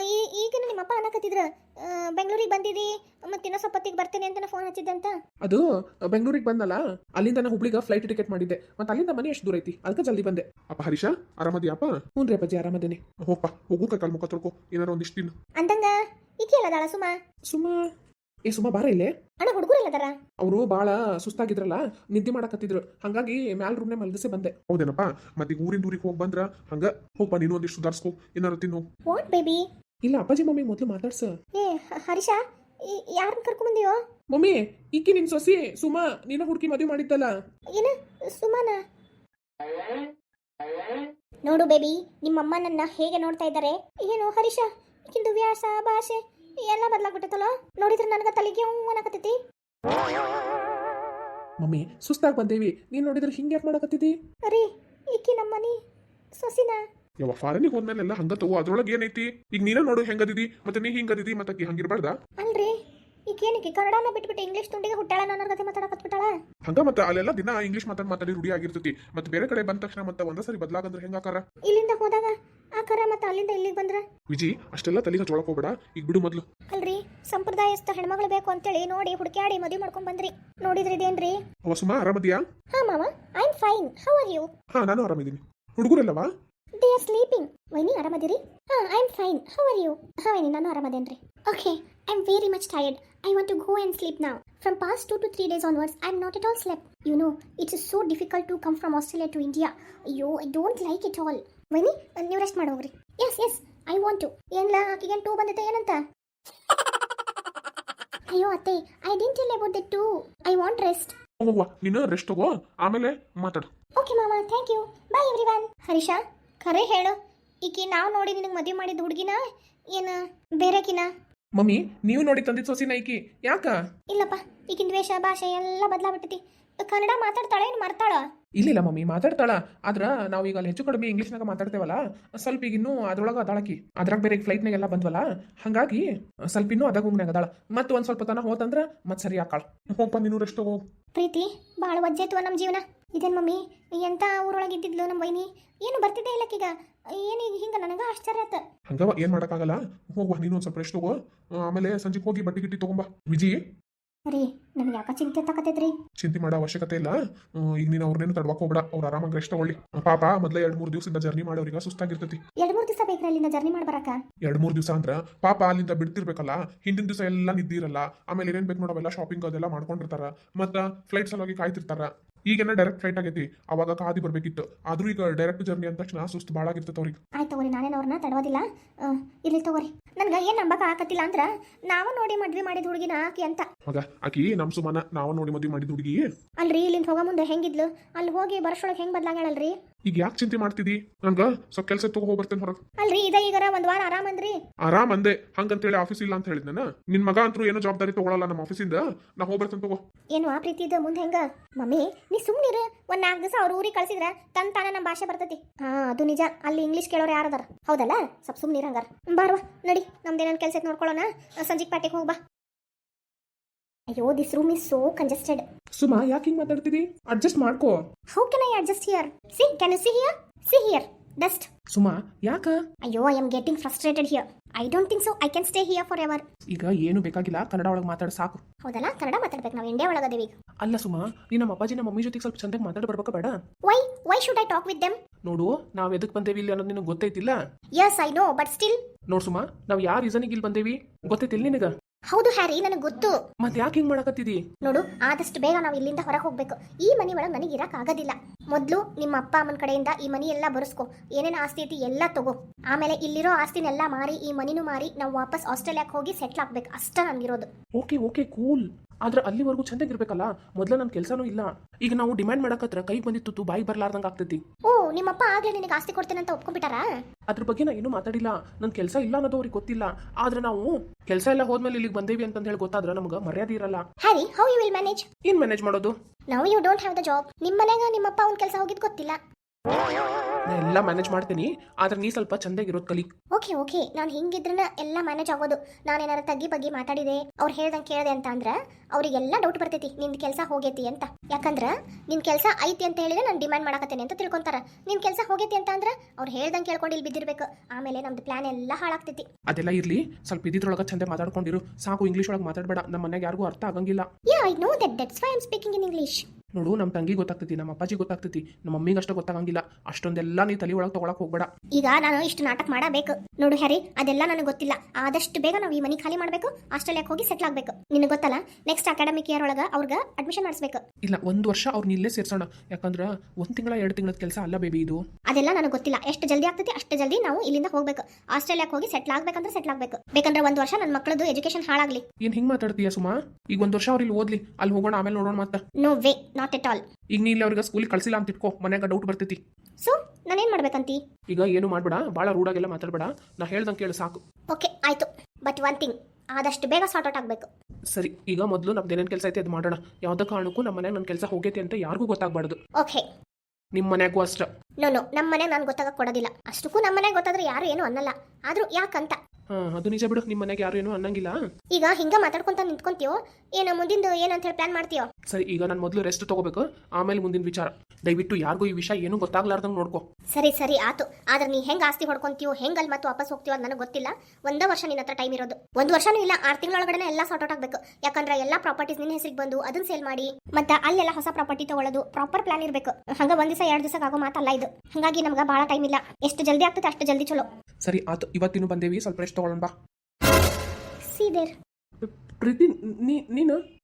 ಈಗ ನಿಮ್ಮಪ್ಪ ಅನ್ನಕತ್ತಿದ್ರು ಬೆಂಗಳೂರಿಗೆ ಬಂದಿದಿ, ಮತ್ತೆ ಇನ್ನೂ ಸ್ವಲ್ಪ ಹೊತ್ತಿಗೆ ಬರ್ತೇನೆ ಅಂತ ಫೋನ್ ಹಚ್ಚಿದ್ದಂತ. ಅದು ಬೆಂಗಳೂರಿಗೆ ಬಂದಲ್ಲ, ಅಲ್ಲಿಂದ ನಾನು ಹುಬ್ಳಿಗೆ ಫ್ಲೈಟ್ ಟಿಕೆಟ್ ಮಾಡಿದ್ದೆ. ಮತ್ತೆ ಅಲ್ಲಿಂದ ಮನೆ ಎಷ್ಟು ದೂರ ಐತಿ, ಅದಕ್ಕೆ ಜಲ್ದಿ ಬಂದೆ. ಅಪ್ಪ ಹರೀಶ ಆರಾಮದಿಯಪ್ಪ? ಹ್ಞೂ ರೀ ಅಪ್ಪಾಜಿ, ಆರಾಮದೇನಿ. ಹೋಗಪ್ಪ, ಹೋಗು ಕಾಲ್ ಮುಖ ತೊಳ್ಕೊ, ಏನಾರ ಒಂದಿಷ್ಟು ದಿನ. ಅಂದಂಗ ಈಕೆ ಎಲ್ಲದಾಳ ಸುಮಾ ಸುಮಾ ಬಾರ ಇಲ್ಲೇ. ಅಣ್ಣ, ಹುಡುಗರು ಎಲ್ಲದಾರ? ಅವರು ಭಾಳ ಸುಸ್ತಾಗಿದ್ರಲ್ಲ, ನಿದ್ದೆ ಮಾಡಕತ್ತಿದ್ರು, ಹಂಗಾಗಿ ಮ್ಯಾಲ್ ರೂಮ್ನೇ ಮಲಗಿಸಿ ಬಂದೆ. ಹೌದೇನಪ್ಪ? ಮತ್ತೆ ಈಗ ಊರಿಂದ ಊರಿಗೆ ಹೋಗಿ ಬಂದ್ರ ಹಂಗ ಹೋಗ್ಪ, ನೀನು ಒಂದಿಷ್ಟು ಸುಧಾರಿಸ್ಕೊ, ಏನಾರ ತಿನ್ನು. What baby? ಇಲ್ಲ ಅಪ್ಪಾಜಿ, ಮಮ್ಮಿ ಮೊದಲು ಮಾತಾಡ್ಸ. ಏ ಹರೀಶ, ಯಾರನ್ನ ಕರ್ಕೊಂಬಂದಿಯೋ? ಮಮ್ಮಿ, ಈಕಿ ನಿನ್ ಸೊಸಿ ಸುಮಾ, ನೀನ ಹುಡುಕಿ ಮದುವೆ ಮಾಡಿದ್ದಲ್ಲ. ಏನ ಸುಮಾನ? ನೋಡು ಬೇಬಿ, ನಿಮ್ಮಮ್ಮ ನನ್ನ ಹೇಗೆ ನೋಡ್ತಾ ಇದ್ದಾರೆ. ಏನು ಹರೀಶ, ಈಕಿಂದು ವ್ಯಾಸ ಭಾಷೆ ಎಲ್ಲ ಬದಲಾಗ್ಬಿಟ್ಟತಲ್ಲ. ನೋಡಿದ್ರೆ ನನಗ ತಲೆಗೆ ಅನ್ನಕತ್ತೈತಿ. ಮಮ್ಮಿ ಸುಸ್ತಾಗಿ ಬಂದೇವಿ, ನೀನ್ ನೋಡಿದ್ರೆ ಹಿಂಗೆ ಯಾಕೆ ಮಾಡಕತ್ತಿದ್ದಿ? ಅರಿ, ಈಕಿ ನಮ್ಮನಿ ಸೊಸಿನ. ಯಾವ ಫಾರಿನಿಗೆ ಹೋದ್ಮೇಲೆ ಎಲ್ಲ ಹಂಗ ತಗೋ, ಅದ್ರೊಳಗೆ ಏನೈತಿ? ಈಗ ನೀನ ನೋಡು ಹೆಂಗದಿದಿ, ಮತ್ತೆ ನೀ ಹಿಂಗದಿದಿ, ಮತ್ತೆ ಹಂಗಿರ್ಬಾರ್ದ. ಅಲ್ರಿ, ಈಕೇನಿಗೆ ಕನ್ನಡನ ಬಿಟ್ಬಿಟ್ಟು ಇಂಗ್ಲಿಷ್ ತುಂಡಿಗೆ ಹುಟ್ಟಾಳ, ನನ್ನ ಕತೆ ಮಾತಾಡಕತ್ಬಿಟ್ಟಾಳ. ಹಂಗ ಮತ್ತೆ ಅಲ್ಲೆಲ್ಲ ದಿನ ಇಂಗ್ಲಿಷ್ ಮಾತಾಡಿ ರೂಢಿ ಆಗಿರ್ತೈತಿ. ಮತ್ತೆ ಬೇರೆ ಕಡೆ ಬಂದ ತಕ್ಷಣ ಮತ್ತೆ ಒಂದ ಸರಿ ಬದಲಾಗಂದ್ರೆ ಹೆಂಗಾಕಾರ? ಇಲ್ಲಿಂದ ಹೋದಾಗ ಆಕಾರ, ಮತ್ತೆ ಅಲ್ಲಿಂದ ಇಲ್ಲಿಗೆ ಬಂದ್ರ ವಿಜಿ ಅಷ್ಟೆಲ್ಲ ತಲೆಗೆ ಚೊಳಕ್ ಹೋಗ್ಬೇಡ, ಈಗ ಬಿಡು ಮೊದ್ಲು. ಅಲ್ರಿ, ಸಂಪ್ರದಾಯಸ್ಥ ಹೆಣ್ಮಗಳು ಬೇಕು ಅಂತೇಳಿ ನೋಡಿ ಹುಡುಕ್ಯಾಡಿ ಮದುವೆ ಮಾಡ್ಕೊಂಡ್ ಬಂದ್ರಿ. ನೋಡಿದ್ರಿ ಇದೇನ್ರಿ? ಅವ ಸುಮಾ ಆರಾಮದಿಯಾ? ಹಾ ಮಾಮ, I am fine. How are you? ಹಾ, ನಾನು ಆರಾಮಿದ್ದೀನಿ. ಹುಡುಗರೆಲ್ಲವಾ? They are sleeping. ವೈನಿ ಆರಾಮದಿರಿ? ಹಾ, I am fine. How are you? ಹಾ ವೈನಿ, ನಾನು ಆರಾಮದೇನ್ರಿ. Okay, I am very much tired. I want to go and sleep now. From past 2 to 3 days onwards, I am not at all slept. You know, it is so difficult to come from Australia to India. Ayyo, I don't like it all. Vani, ನೀವು rest ಮಾಡಿ ಹೋಗ್ರಿ. Yes, I want to. ಏನ್ಲ, ಆಕಿಗೆ 2 ಬಂದೈತೆ ಏನಂತ? ಅಯ್ಯೋ ಅತ್ತೆ, I didn't tell about that too. I want rest. ಹೋಗುವ, ನೀನು ರೆಸ್ಟ್ ತಗೋ, ಆಮೇಲೆ ಮಾತಾಡು. Okay mama, thank you. Bye everyone. Harish, ಖರೆ ಹೇಳು, ಈಕಿ ನಾವು ನೋಡಿ ನಿನಗೆ ಮದುವೆ ಮಾಡಿದ ಹುಡುಗಿನ ಏನ ಬೇರೆಕಿನ? ಮಮ್ಮಿ, ನೀವು ನೋಡಿ ತಂದಿದ್ ಸೊಸಿನ ಈಕಿ, ಯಾಕ? ಇಲ್ಲಪ್ಪ, ಈಗಿನ ವೇಷ ಭಾಷೆ ಎಲ್ಲ ಬದಲಾಗ್ಬಿಟ್ಟೈತಿ. ಕನ್ನಡ ಮಾತಾಡ್ತಾಳೆ, ಏನು ಮರ್ತಾಳ? ಇಲ್ಲ ಮಮ್ಮಿ, ಮಾತಾಡ್ತಾಳ. ಆದ್ರ ನಾವೀಗ ಅಲ್ಲಿ ಹೆಚ್ಚು ಕಡಿಮೆ ಇಂಗ್ಲೀಷ್ನಾಗ ಮಾತಾಡ್ತೇವಲ್ಲ, ಸ್ವಲ್ಪ ಈಗ ಇನ್ನೂ ಅದ್ರೊಳಗೆ ಅದಾಳಕಿ. ಅದ್ರಾಗ ಬೇರೆ ಫ್ಲೈಟ್ನಾಗೆಲ್ಲ ಬಂದ್ವಲ್ಲ, ಹಂಗಾಗಿ ಸ್ವಲ್ಪ ಇನ್ನೂ ಅದಾಗ ಗುಂಗ್ನಾಗ ಅದಾಳ. ಮತ್ತೆ ಒಂದು ಸ್ವಲ್ಪ ತನ ಹೋತಂದ್ರ ಮತ್ತೆ ಸರಿ ಆಕಾಳ. ಹೋಗ್ಪ, ನೀನು ರೆಸ್ಟ್ ತಗೋ. ಪ್ರೀತಿ, ಭಾಳ ವಜ್ಜಾಯ್ತು ನಮ್ಮ ಜೀವನ. ಇದೇನು ಮಮ್ಮಿ, ಎಂಥ ಊರೊಳಗೆ ಇದ್ದಿದ್ಲು ನಮ್ಮ ವೈನಿ, ಏನು ಬರ್ತಿದ್ದೆ ಇಲ್ಲಕ್ಕೀಗ. ಏನೀಗ ಹಿಂಗೆ ನನಗೆ ಆಶ್ಚರ್ಯ ಆಯ್ತು. ಹಂಗವ ಏನ್ ಮಾಡಕ್ಕಾಗಲ್ಲ. ಹೋಗುವ ನೀನು ಒಂದ್ ಸ್ವಲ್ಪ ರೆಸ್ಟ್ ತಗೋ. ಆಮೇಲೆ ಸಂಜೆಗೆ ಹೋಗಿ ಬಟ್ಟೆ ಗಿಟ್ಟಿ ತಗೊಂಬಾ. ವಿಜಿ, ರೀ ನನಗೆ ಯಾಕೆ ಚಿಂತೆ ತಕತೈತ್ರಿ? ಚಿಂತೆ ಮಾಡೋ ಅವಶ್ಯಕತೆ ಇಲ್ಲ. ಈಗ ನೀನು ಅವ್ರನ್ನೇನು ತಡ್ವಾಕ್ ಹೋಗ್ಬೇಡ. ಅವ್ರು ಆರಾಮಾಗಿ ರೆಸ್ಟ್ ತಗೊಳ್ಳಿ. ಪಾಪ ಮೊದಲೇ 2-3 ದಿವಸದಿಂದ ಜರ್ನಿ ಮಾಡೋರಿಗೆ ಸುಸ್ತಾಗಿರ್ತೈತಿ. 2-3 ದಿವಸ ಬೇಕ್ರಿ ಅಲ್ಲಿಂದ ಜರ್ನಿ ಮಾಡಿ ಬರಕ? 2-3 ದಿವಸ ಅಂದ್ರ ಪಾಪ ಅಲ್ಲಿಂದ ಬಿಡ್ತಿರ್ಬೇಕಲ್ಲ. ಹಿಂದಿನ ದಿವಸ ಎಲ್ಲ ನಿದ್ದಿರಲ್ಲ. ಆಮೇಲೆ ಏನೇನ್ ಬೇಕು ನೋಡವೆಲ್ಲ ಶಾಪಿಂಗ್ ಅದೆಲ್ಲ ಮಾಡ್ಕೊಂಡಿರ್ತಾರ. ಮತ್ತ ಫ್ಲೈಟ್ ಸಲುವಾಗಿ ಕಾಯ್ತಿರ್ತಾರ. ಈಗೇನ ಡೈರೆಕ್ಟ್ ಫ್ಲೈಟ್ ಆಗೈತಿ, ಅವಾಗ ಕಾದಿ ಬರ್ಬೇಕಿತ್ತು. ಆದ್ರೂ ಈಗ ಡೈರೆಕ್ಟ್ ಜರ್ನಿ ಅಂದ ತಕ್ಷಣ ಸುಸ್ತು ಭಾಳ ಆಗಿರ್ತೈತೆ ಅವ್ರಿಗೆ. ಆಯ್ತು ತಗೋರಿ, ನಾನೇನು ಅವ್ರನ್ನ ತಡೋದಿಲ್ಲ. ಇರ್ಲಿ ತಗೋರಿ. ನನ್ಗೆ ಏನು ನಂಬಕ ಆಗತ್ತಿಲ್ಲ ಅಂದ್ರ ನಾವ ನೋಡಿ ಮದ್ವೆ ಮಾಡಿದ ಹುಡುಗಿನ ಆಕಿ ಅಂತ. ಮಗ ಆಕಿ ನಮ್ ಸುಮನ ನಾವು ನೋಡಿ ಮದ್ವೆ ಮಾಡಿದ ಹುಡುಗಿ. ಅಲ್ರಿ ಇಲ್ಲಿಂದ ಹೋಗೋ ಮುಂದೆ ಹೆಂಗಿದ್ಲು, ಅಲ್ಲಿ ಹೋಗಿ ಬರೋಷ್ಟೊಳಗೆ ಹೆಂಗ್ ಬದ್ಲಾಗ್ಯಾಳಲ್ರಿ? ಈಗ ಯಾಕೆ ಚಿಂತೆ ಮಾಡ್ತಿದಿ? ನಂಗ ಸ್ವಲ್ಪ ಕೆಲಸ ತಗೋ ಹೋಗಿ ಬರ್ತೇನೆ ಹೊರಗೆ. ಅಲ್ರಿ ಈಗರ ಒಂದ್ ವಾರ ಆರಾಮ್ ಅಂದ್ರಿ. ಆರಾಮ್ ಅಂದೆ. ಹಂಗಂತೇಳಿ ಆಫೀಸ್ ಇಲ್ಲ ಅಂತ ಹೇಳಿದ್ನ. ನಿನ್ ಮಗ ಅಂತೂ ಏನೋ ಜವಾಬ್ದಾರಿ ತಗೊಳಲ್ಲ ನಮ್ಮ ಆಫೀಸಿಂದ. ನಾ ಹೋಗ್ಬರ್ತೇನೆ ತಗೋ. ಏನು ಆ ಪ್ರೀತಿ ಇದ್ದ ಮುಂದೆ ಹೆಂಗ? ಮಮ್ಮಿ ನೀ ಸುಮ್ನಿರು. ಒಂದ್ 4 ದಿವಸ ಅವ್ರ ಊರಿಗೆ ಕಳ್ಸಿದ್ರ ತಾನ ನಮ್ಮ ಭಾಷೆ ಬರ್ತೈತಿ. ಅದು ನಿಜ. ಅಲ್ಲಿ ಇಂಗ್ಲಿಷ್ ಕೇಳೋರು ಯಾರದಾರ? ಹೌದಲ್ಲ, ಸ್ವಲ್ಪ ಸುಮ್ನಿರ ಹಂಗಾರ. ಬಾರ್ವಾ ನಡಿ, ನಮ್ದೇನೇನು ಕೆಲಸ ನೋಡ್ಕೊಳ್ಳೋಣ. ಸಂಜೆಗೆ ಪ್ಯಾಟಿಗೆ ಹೋಗ್ಬಾ. ಅಯ್ಯೋ, this room is so congested. Suma ಯಾಕೆ ಹಿಂಗೆ ಮಾತಾಡ್ತಿದಿ? ಅಡ್ಜಸ್ಟ್ ಮಾಡ್ಕೋ. How can I adjust here? See, can you see here? See here, dust. Suma ಯಾಕ? ಅಯ್ಯೋ, I am getting frustrated here. I don't think so I can stay here forever. ಈಗ ಏನು ಬೇಕಾಗಿಲ್ಲ, ಕನ್ನಡ ಒಳಗೆ ಮಾತಾಡ ಸಾಕು. ಹೌದಲ್ಲ, ಕನ್ನಡ ಮಾತಾಡ್ಬೇಕು. ನಾವು ಇಂಡಿಯಾ ಒಳಗದೇವಿ ಈಗ. ಅಲ್ಲ ಸುಮಾ, ನೀ ನಮ್ಮ ಅಪ್ಪಾಜಿ ನಮ್ಮ ಮಮ್ಮಿ ಜೊತೆಗೆ ಸ್ವಲ್ಪ ಚಂದಾಗಿ ಮಾತಾಡ ಬರ್ಬೇಕಾ ಬೇಡ? Why should I talk with them? ನೋಡು, ನಾವು ಎದಕ್ಕೆ ಬಂದೇವಿ ಇಲ್ಲಿ ಅನ್ನೋದು ನಿನಗೆ ಗೊತ್ತೈತಿಲ್ಲ. Yes I know, but still. ನೋಡು ಸುಮಾ, ನಾವು ಯಾವ ರೀಸನಿಗೆ ಇಲ್ಲಿ ಬಂದೇವಿ ಗೊತ್ತೈತಿಲ್ಲ ನಿನಗ? ಹೌದು ಹ್ಯಾರಿ, ನನಗೆ ಗೊತ್ತು. ಮತ್ತೆ ಯಾಕೆ ಹಿಂಗೆ ಮಾಡಕತ್ತಿದಿ? ನೋಡು, ಆದಷ್ಟು ಬೇಗ ನಾವು ಇಲ್ಲಿಂದ ಹೊರಗೆ ಹೋಗ್ಬೇಕು. ಈ ಮನೆ ಒಳಗೆ ನನಗೆ ಇರಕ್ ಆಗೋದಿಲ್ಲ. ಮೊದಲು ನಿಮ್ಮ ಅಪ್ಪ ಅಮ್ಮನ ಕಡೆಯಿಂದ ಈ ಮನಿ ಎಲ್ಲ ಬರೆಸ್ಕೊ. ಏನೇನು ಆಸ್ತಿ ಐತಿ ಎಲ್ಲ ತಗೋ. ಆಮೇಲೆ ಇಲ್ಲಿರೋ ಆಸ್ತಿನೆಲ್ಲ ಮಾರಿ, ಈ ಮನಿನೂ ಮಾರಿ, ನಾವು ವಾಪಸ್ ಆಸ್ಟ್ರೇಲಿಯಾಕ್ಕೆ ಹೋಗಿ ಸೆಟ್ಲ್ ಆಗ್ಬೇಕು. ಅಷ್ಟ ನನ್ಗಿರೋದು. Okay cool. ಆದ್ರೆ ಅಲ್ಲಿವರೆಗೂ ಚಂದಾಗಿರ್ಬೇಕಲ್ಲ. ಮೊದಲ ನನ್ನ ಕೆಲಸನೂ ಇಲ್ಲ. ಈಗ ನಾವು ಡಿಮ್ಯಾಂಡ್ ಮಾಡಕತ್ರ ಕೈ ಬಂದಿತ್ತು ಬಾಯಿ ಬರ್ಲಾರ್ದಂಗೆ ಆಗ್ತೈತಿ. ಓ, ನಿಮ್ಮಪ್ಪ ಆಗ್ಲೇ ನಿನಗೆ ಆಸ್ತಿ ಕೊಡ್ತೇನೆ ಅಂತ ಒಪ್ಕೊಂಡ್ಬಿಟ್ಟಾರಾ? ಅದ್ರ ಬಗ್ಗೆ ನಾ ಏನೂ ಮಾತಾಡಿಲ್ಲ. ನನ್ನ ಕೆಲಸ ಇಲ್ಲ ಅನ್ನೋದು ಅವ್ರಿಗೆ ಗೊತ್ತಿಲ್ಲ. ಆದ್ರೆ ನಾವು ಕೆಲಸ ಎಲ್ಲ ಹೋದ್ಮೇಲೆ ಇಲ್ಲಿಗೆ ಬಂದೇವಿ ಅಂತ ಹೇಳಿ ಗೊತ್ತಾದ್ರೆ ನಮ್ಗೆ ಮರ್ಯಾದೆ ಇರಲ್ಲ. Harry, how you will manage? ಏನ್ ಮ್ಯಾನೇಜ್ ಮಾಡೋದು? Now you don't have the job. ನಿಮ್ಮ ಮನೆಗ ನಿಮ್ಮಪ್ಪ ಅವ್ನ ಕೆಲಸ ಹೋಗಿದ್ ಗೊತ್ತಿಲ್ಲ. ನಾ ಎಲ್ಲ ಮ್ಯಾನೇಜ್ ಮಾಡ್ತೀನಿ. ಆದ್ರೆ ನೀ ಸ್ವಲ್ಪ ಚಂದಾಗಿರೋದು ಕಲಿ. ಓಕೆ, ನಾನು ಹಿಂಗಿದ್ರನ ಎಲ್ಲ ಮ್ಯಾನೇಜ್ ಆಗೋದು. ನಾನೇನಾರ ತಗ್ಗಿ ಬಗ್ಗೆ ಮಾತಾಡಿದೆ, ಅವ್ರು ಹೇಳ್ದಂಗೆ ಕೇಳಿದೆ ಅಂತ ಅಂದ್ರೆ ಅವರಿಗೆಲ್ಲ ಡೌಟ್ ಬರ್ತೈತಿ ನಿಂದು ಕೆಲಸ ಹೋಗೈತಿ ಅಂತ. ಯಾಕಂದ್ರೆ ನಿನ್ ಕೆಲಸ ಐತಿ ಅಂತ ಹೇಳಿದ್ರೆ ನಾನು ಡಿಮ್ಯಾಂಡ್ ಮಾಡಕತ್ತೇನೆ ಅಂತ ತಿಳ್ಕೊಂತಾರ. ನಿನ್ ಕೆಲಸ ಹೋಗೈತಿ ಅಂತ ಅಂದ್ರೆ ಅವ್ರು ಹೇಳ್ದಂಗೆ ಕೇಳ್ಕೊಂಡು ಇಲ್ಲಿ ಬಿದ್ದಿರ್ಬೇಕು. ಆಮೇಲೆ ನಮ್ದು ಪ್ಲಾನ್ ಎಲ್ಲ ಹಾಳಾಗ್ತೈತಿ. ಅದೆಲ್ಲ ಇರ್ಲಿ, ಸ್ವಲ್ಪ ಇದ್ರೊಳಗೆ ಚಂದ ಮಾತಾಡ್ಕೊಂಡಿರು ಸಾಕು. ಇಂಗ್ಲೀಷ್ ಒಳಗೆ ಮಾತಾಡಬೇಡ, ನಮ್ಮ ಮನೆಗೆ ಯಾರಿಗೂ ಅರ್ಥ ಆಗಂಗಿಲ್ಲ. Ya, I know that's why I am speaking in English. ನೋಡು, ನಮ್ಮ ತಂಗಿ ಗೊತ್ತಾಗ್ತೈತಿ, ನಮ್ಮ ಅಪ್ಪಾಜಿ ಗೊತ್ತಾಗ್ತೈತಿ, ನಮ್ಮ ಮಮ್ಮಿಗೆ ಅಷ್ಟು ಗೊತ್ತಾಗಂಗಿಲ್ಲ. ಅಷ್ಟೊಂದೆಲ್ಲ ನೀ ತಲೆ ಒಳಗೆ ತಗೊಳಕ್ ಹೋಗ್ಬೇಡ. ಈಗ ನಾನು ಇಷ್ಟು ನಾಟಕ ಮಾಡಬೇಕು. ನೋಡು ಹ್ಯಾರಿ, ಅದೆಲ್ಲ ನನಗೆ ಗೊತ್ತಿಲ್ಲ. ಆದಷ್ಟು ಬೇಗ ನಾವು ಈ ಮನೆ ಖಾಲಿ ಮಾಡಬೇಕು, ಆಸ್ಟ್ರೇಲಿಯಾಕ್ಕೆ ಹೋಗಿ ಸೆಟ್ಲ್ ಆಗಬೇಕು. ನಿನಗೆ ಗೊತ್ತಲ್ಲ, ನೆಕ್ಸ್ಟ್ ಅಕಾಡೆಮಿಕ್ ಇಯರ್ ಒಳಗೆ ಅವ್ರಿಗೆ ಅಡ್ಮಿಷನ್ ಮಾಡಿಸ್ಬೇಕು. ಇಲ್ಲ, 1 ವರ್ಷ ಅವ್ರನ್ನ ಇಲ್ಲೇ ಸೇರ್ಸೋಣ. ಯಾಕಂದ್ರೆ 1 ತಿಂಗಳ 2 ತಿಂಗಳ ಕೆಲಸ ಅಲ್ಲ ಬೇಬಿ ಇದು. ಅದೆಲ್ಲ ನನಗೆ ಗೊತ್ತಿಲ್ಲ. ಎಷ್ಟು ಜಲ್ದಿ ಆಗ್ತೈತಿ ಅಷ್ಟು ಜಲ್ದಿ ನಾವು ಇಲ್ಲಿಂದ ಹೋಗ್ಬೇಕು. ಆಸ್ಟ್ರೇಲಿಯಾಕ್ಕೆ ಹೋಗಿ ಸೆಟ್ಲ್ ಆಗ್ಬೇಕಂದ್ರೆ ಸೆಟ್ಲ್ ಆಗಬೇಕು. ಬೇಕಂದ್ರೆ 1 ವರ್ಷ ನನ್ನ ಮಕ್ಕಳದು ಎಜುಕೇಶನ್ ಹಾಳಾಗ್ಲಿ. ಏನ್ ಹಿಂಗ್ ಮಾತಾಡ್ತೀಯ ಸುಮಾ? ಈಗ 1 ವರ್ಷ ಅವ್ರು ಇಲ್ಲಿ ಓದ್ಲಿ, ಅಲ್ಲಿ ಹೋಗೋಣ, ಆಮೇಲೆ ನೋಡೋಣ ಮತ್ತೆ. No way, not at all. ಈಗ ನೀ ಇಲ್ಲಿ ಅವ್ರಿಗೆ ಸ್ಕೂಲಿಗೆ ಕಳ್ಸಿಲ್ಲ ಅಂತ ಇಟ್ಕೋ, ಮನ್ಯಾಗ ಡೌಟ್ ಬರ್ತೈತಿ. ಸೊ ನಾನೇನ್ ಮಾಡ್ಬೇಕಂತಿ? ಈಗ ಏನು ಮಾಡ್ಬೇಡ, ಭಾಳ ರೂಢಾಗೆಲ್ಲ ಮಾತಾಡ್ಬೇಡ. ನಾ ಹೇಳ್ದಂಗೆ ಕೇಳು ಸಾಕು. ಓಕೆ ಆಯ್ತು, ಬಟ್ ಒನ್ ಥಿಂಗ್, ಆದಷ್ಟು ಬೇಗ ಸಾರ್ಟ್ ಔಟ್ ಆಗಬೇಕು. ಸರಿ, ಈಗ ಮೊದಲು ನಮ್ದು ಏನೇನು ಕೆಲಸ ಐತೆ ಅದು ಮಾಡೋಣ. ಯಾವುದೇ ಕಾರಣಕ್ಕೂ ನಮ್ಮ ಮನ್ಯಾಗ ನನ್ನ ಕೆಲಸ ಹೋಗೈತಿ ಅಂತ ಯಾರಿಗೂ ಗೊತ್ತಾಗಬಾರ್ದು. ಓಕೆ. ನಿಮ್ಮ ಮನ್ಯಾಗೂ ಅಷ್ಟ. ನೋ ನಮ್ಮ ಮನೆಗೆ ನಾನು ಗೊತ್ತಾಗಕ್ಕೆ ಕೊಡೋದಿಲ್ಲ. ಅಷ್ಟಕ್ಕೂ ನಮ್ಮ ಮನೆಗೆ ಗೊತ್ತಾದ್ರೆ ಯಾರು ಏನು ಅನ್ನಲ್ಲ. ಆದ್ರೂ ಯಾಕಂತ? ಅದು ನಿಜ ಬಿಡು, ನಿಮ್ಮ ಮನೆಗೆ ಯಾರು ಏನೂ ಅನ್ನಂಗಿಲ್ಲ. ಈಗ ಹಿಂಗ ಮಾತಾಡ್ಕೊಂತ ನಿಂತ್ಕೊಂತೀಯೋ ಏನೋ ಮುಂದಿಂದು ಏನಂತ ಹೇಳಿ ಪ್ಲಾನ್ ಮಾಡ್ತೀಯೋ? ಸರಿ, ಈಗ ನಾನು ಮೊದಲು ರೆಸ್ಟ್ ತಗೋಬೇಕು, ಆಮೇಲೆ ಮುಂದಿನ ವಿಚಾರ. ದಯವಿಟ್ಟು ಯಾರಿಗೂ ಈ ವಿಷಯ ಏನೂ ಗೊತ್ತಾಗ್ಲಾರ್ದಂಗೆ ನೋಡ್ಕೋ. ಸರಿ ಆತು. ಆದ್ರೆ ನೀ ಹೆಂಗ್ ಆಸ್ತಿ ಹೊಡ್ಕೊಂತೀಯೋ, ಹೆಂಗ್ ಅಲ್ಲಿ ಮತ್ತೆ ವಾಪಸ್ ಹೋಗ್ತೀವೋ ಅದು ನನಗೆ ಗೊತ್ತಿಲ್ಲ. 1 ವರ್ಷ ನಿನ್ನ ಹತ್ರ ಟೈಮ್ ಇರೋದು. 1 ವರ್ಷನೂ ಇಲ್ಲ, 6 ತಿಂಗಳೊಳಗಡೆ ಎಲ್ಲ ಸಾರ್ಟ್ ಔಟ್ ಆಗಬೇಕು. ಯಾಕಂದ್ರೆ ಎಲ್ಲ ಪ್ರಾಪರ್ಟೀಸ್ ನಿನ್ನ ಹೆಸರಿಗೆ ಬಂದು ಅದನ್ನ ಸೇಲ್ ಮಾಡಿ ಮತ್ತೆ ಅಲ್ಲೆಲ್ಲ ಹೊಸ ಪ್ರಾಪರ್ಟಿ ತಗೊಳ್ಳೋದು ಪ್ರಾಪರ್ ಪ್ಲಾನ್ ಇರಬೇಕು. ಹಂಗ 1 ದಿವಸ 2 ದಿವಸ ಆಗೋ ಮಾತಲ್ಲ ಇದು. ಹಾಗಾಗಿ ನಮ್ಗೆ ಭಾಳ ಟೈಮ್ ಇಲ್ಲ. ಎಷ್ಟು ಜಲ್ದಿ ಆಗ್ತದೆ ಅಷ್ಟು ಜಲ್ದಿ ಚಲೋ. ಸರಿ ಆತು, ಇವತ್ತಿನೂ ಬಂದೇವಿ, ಸ್ವಲ್ಪ ರೆಸ್ಟ್ ತಗೊಳ್ಳೋಣ ಬಾ. ಸೀದೇರ್ ಪ್ರೀತಿ, ನೀನು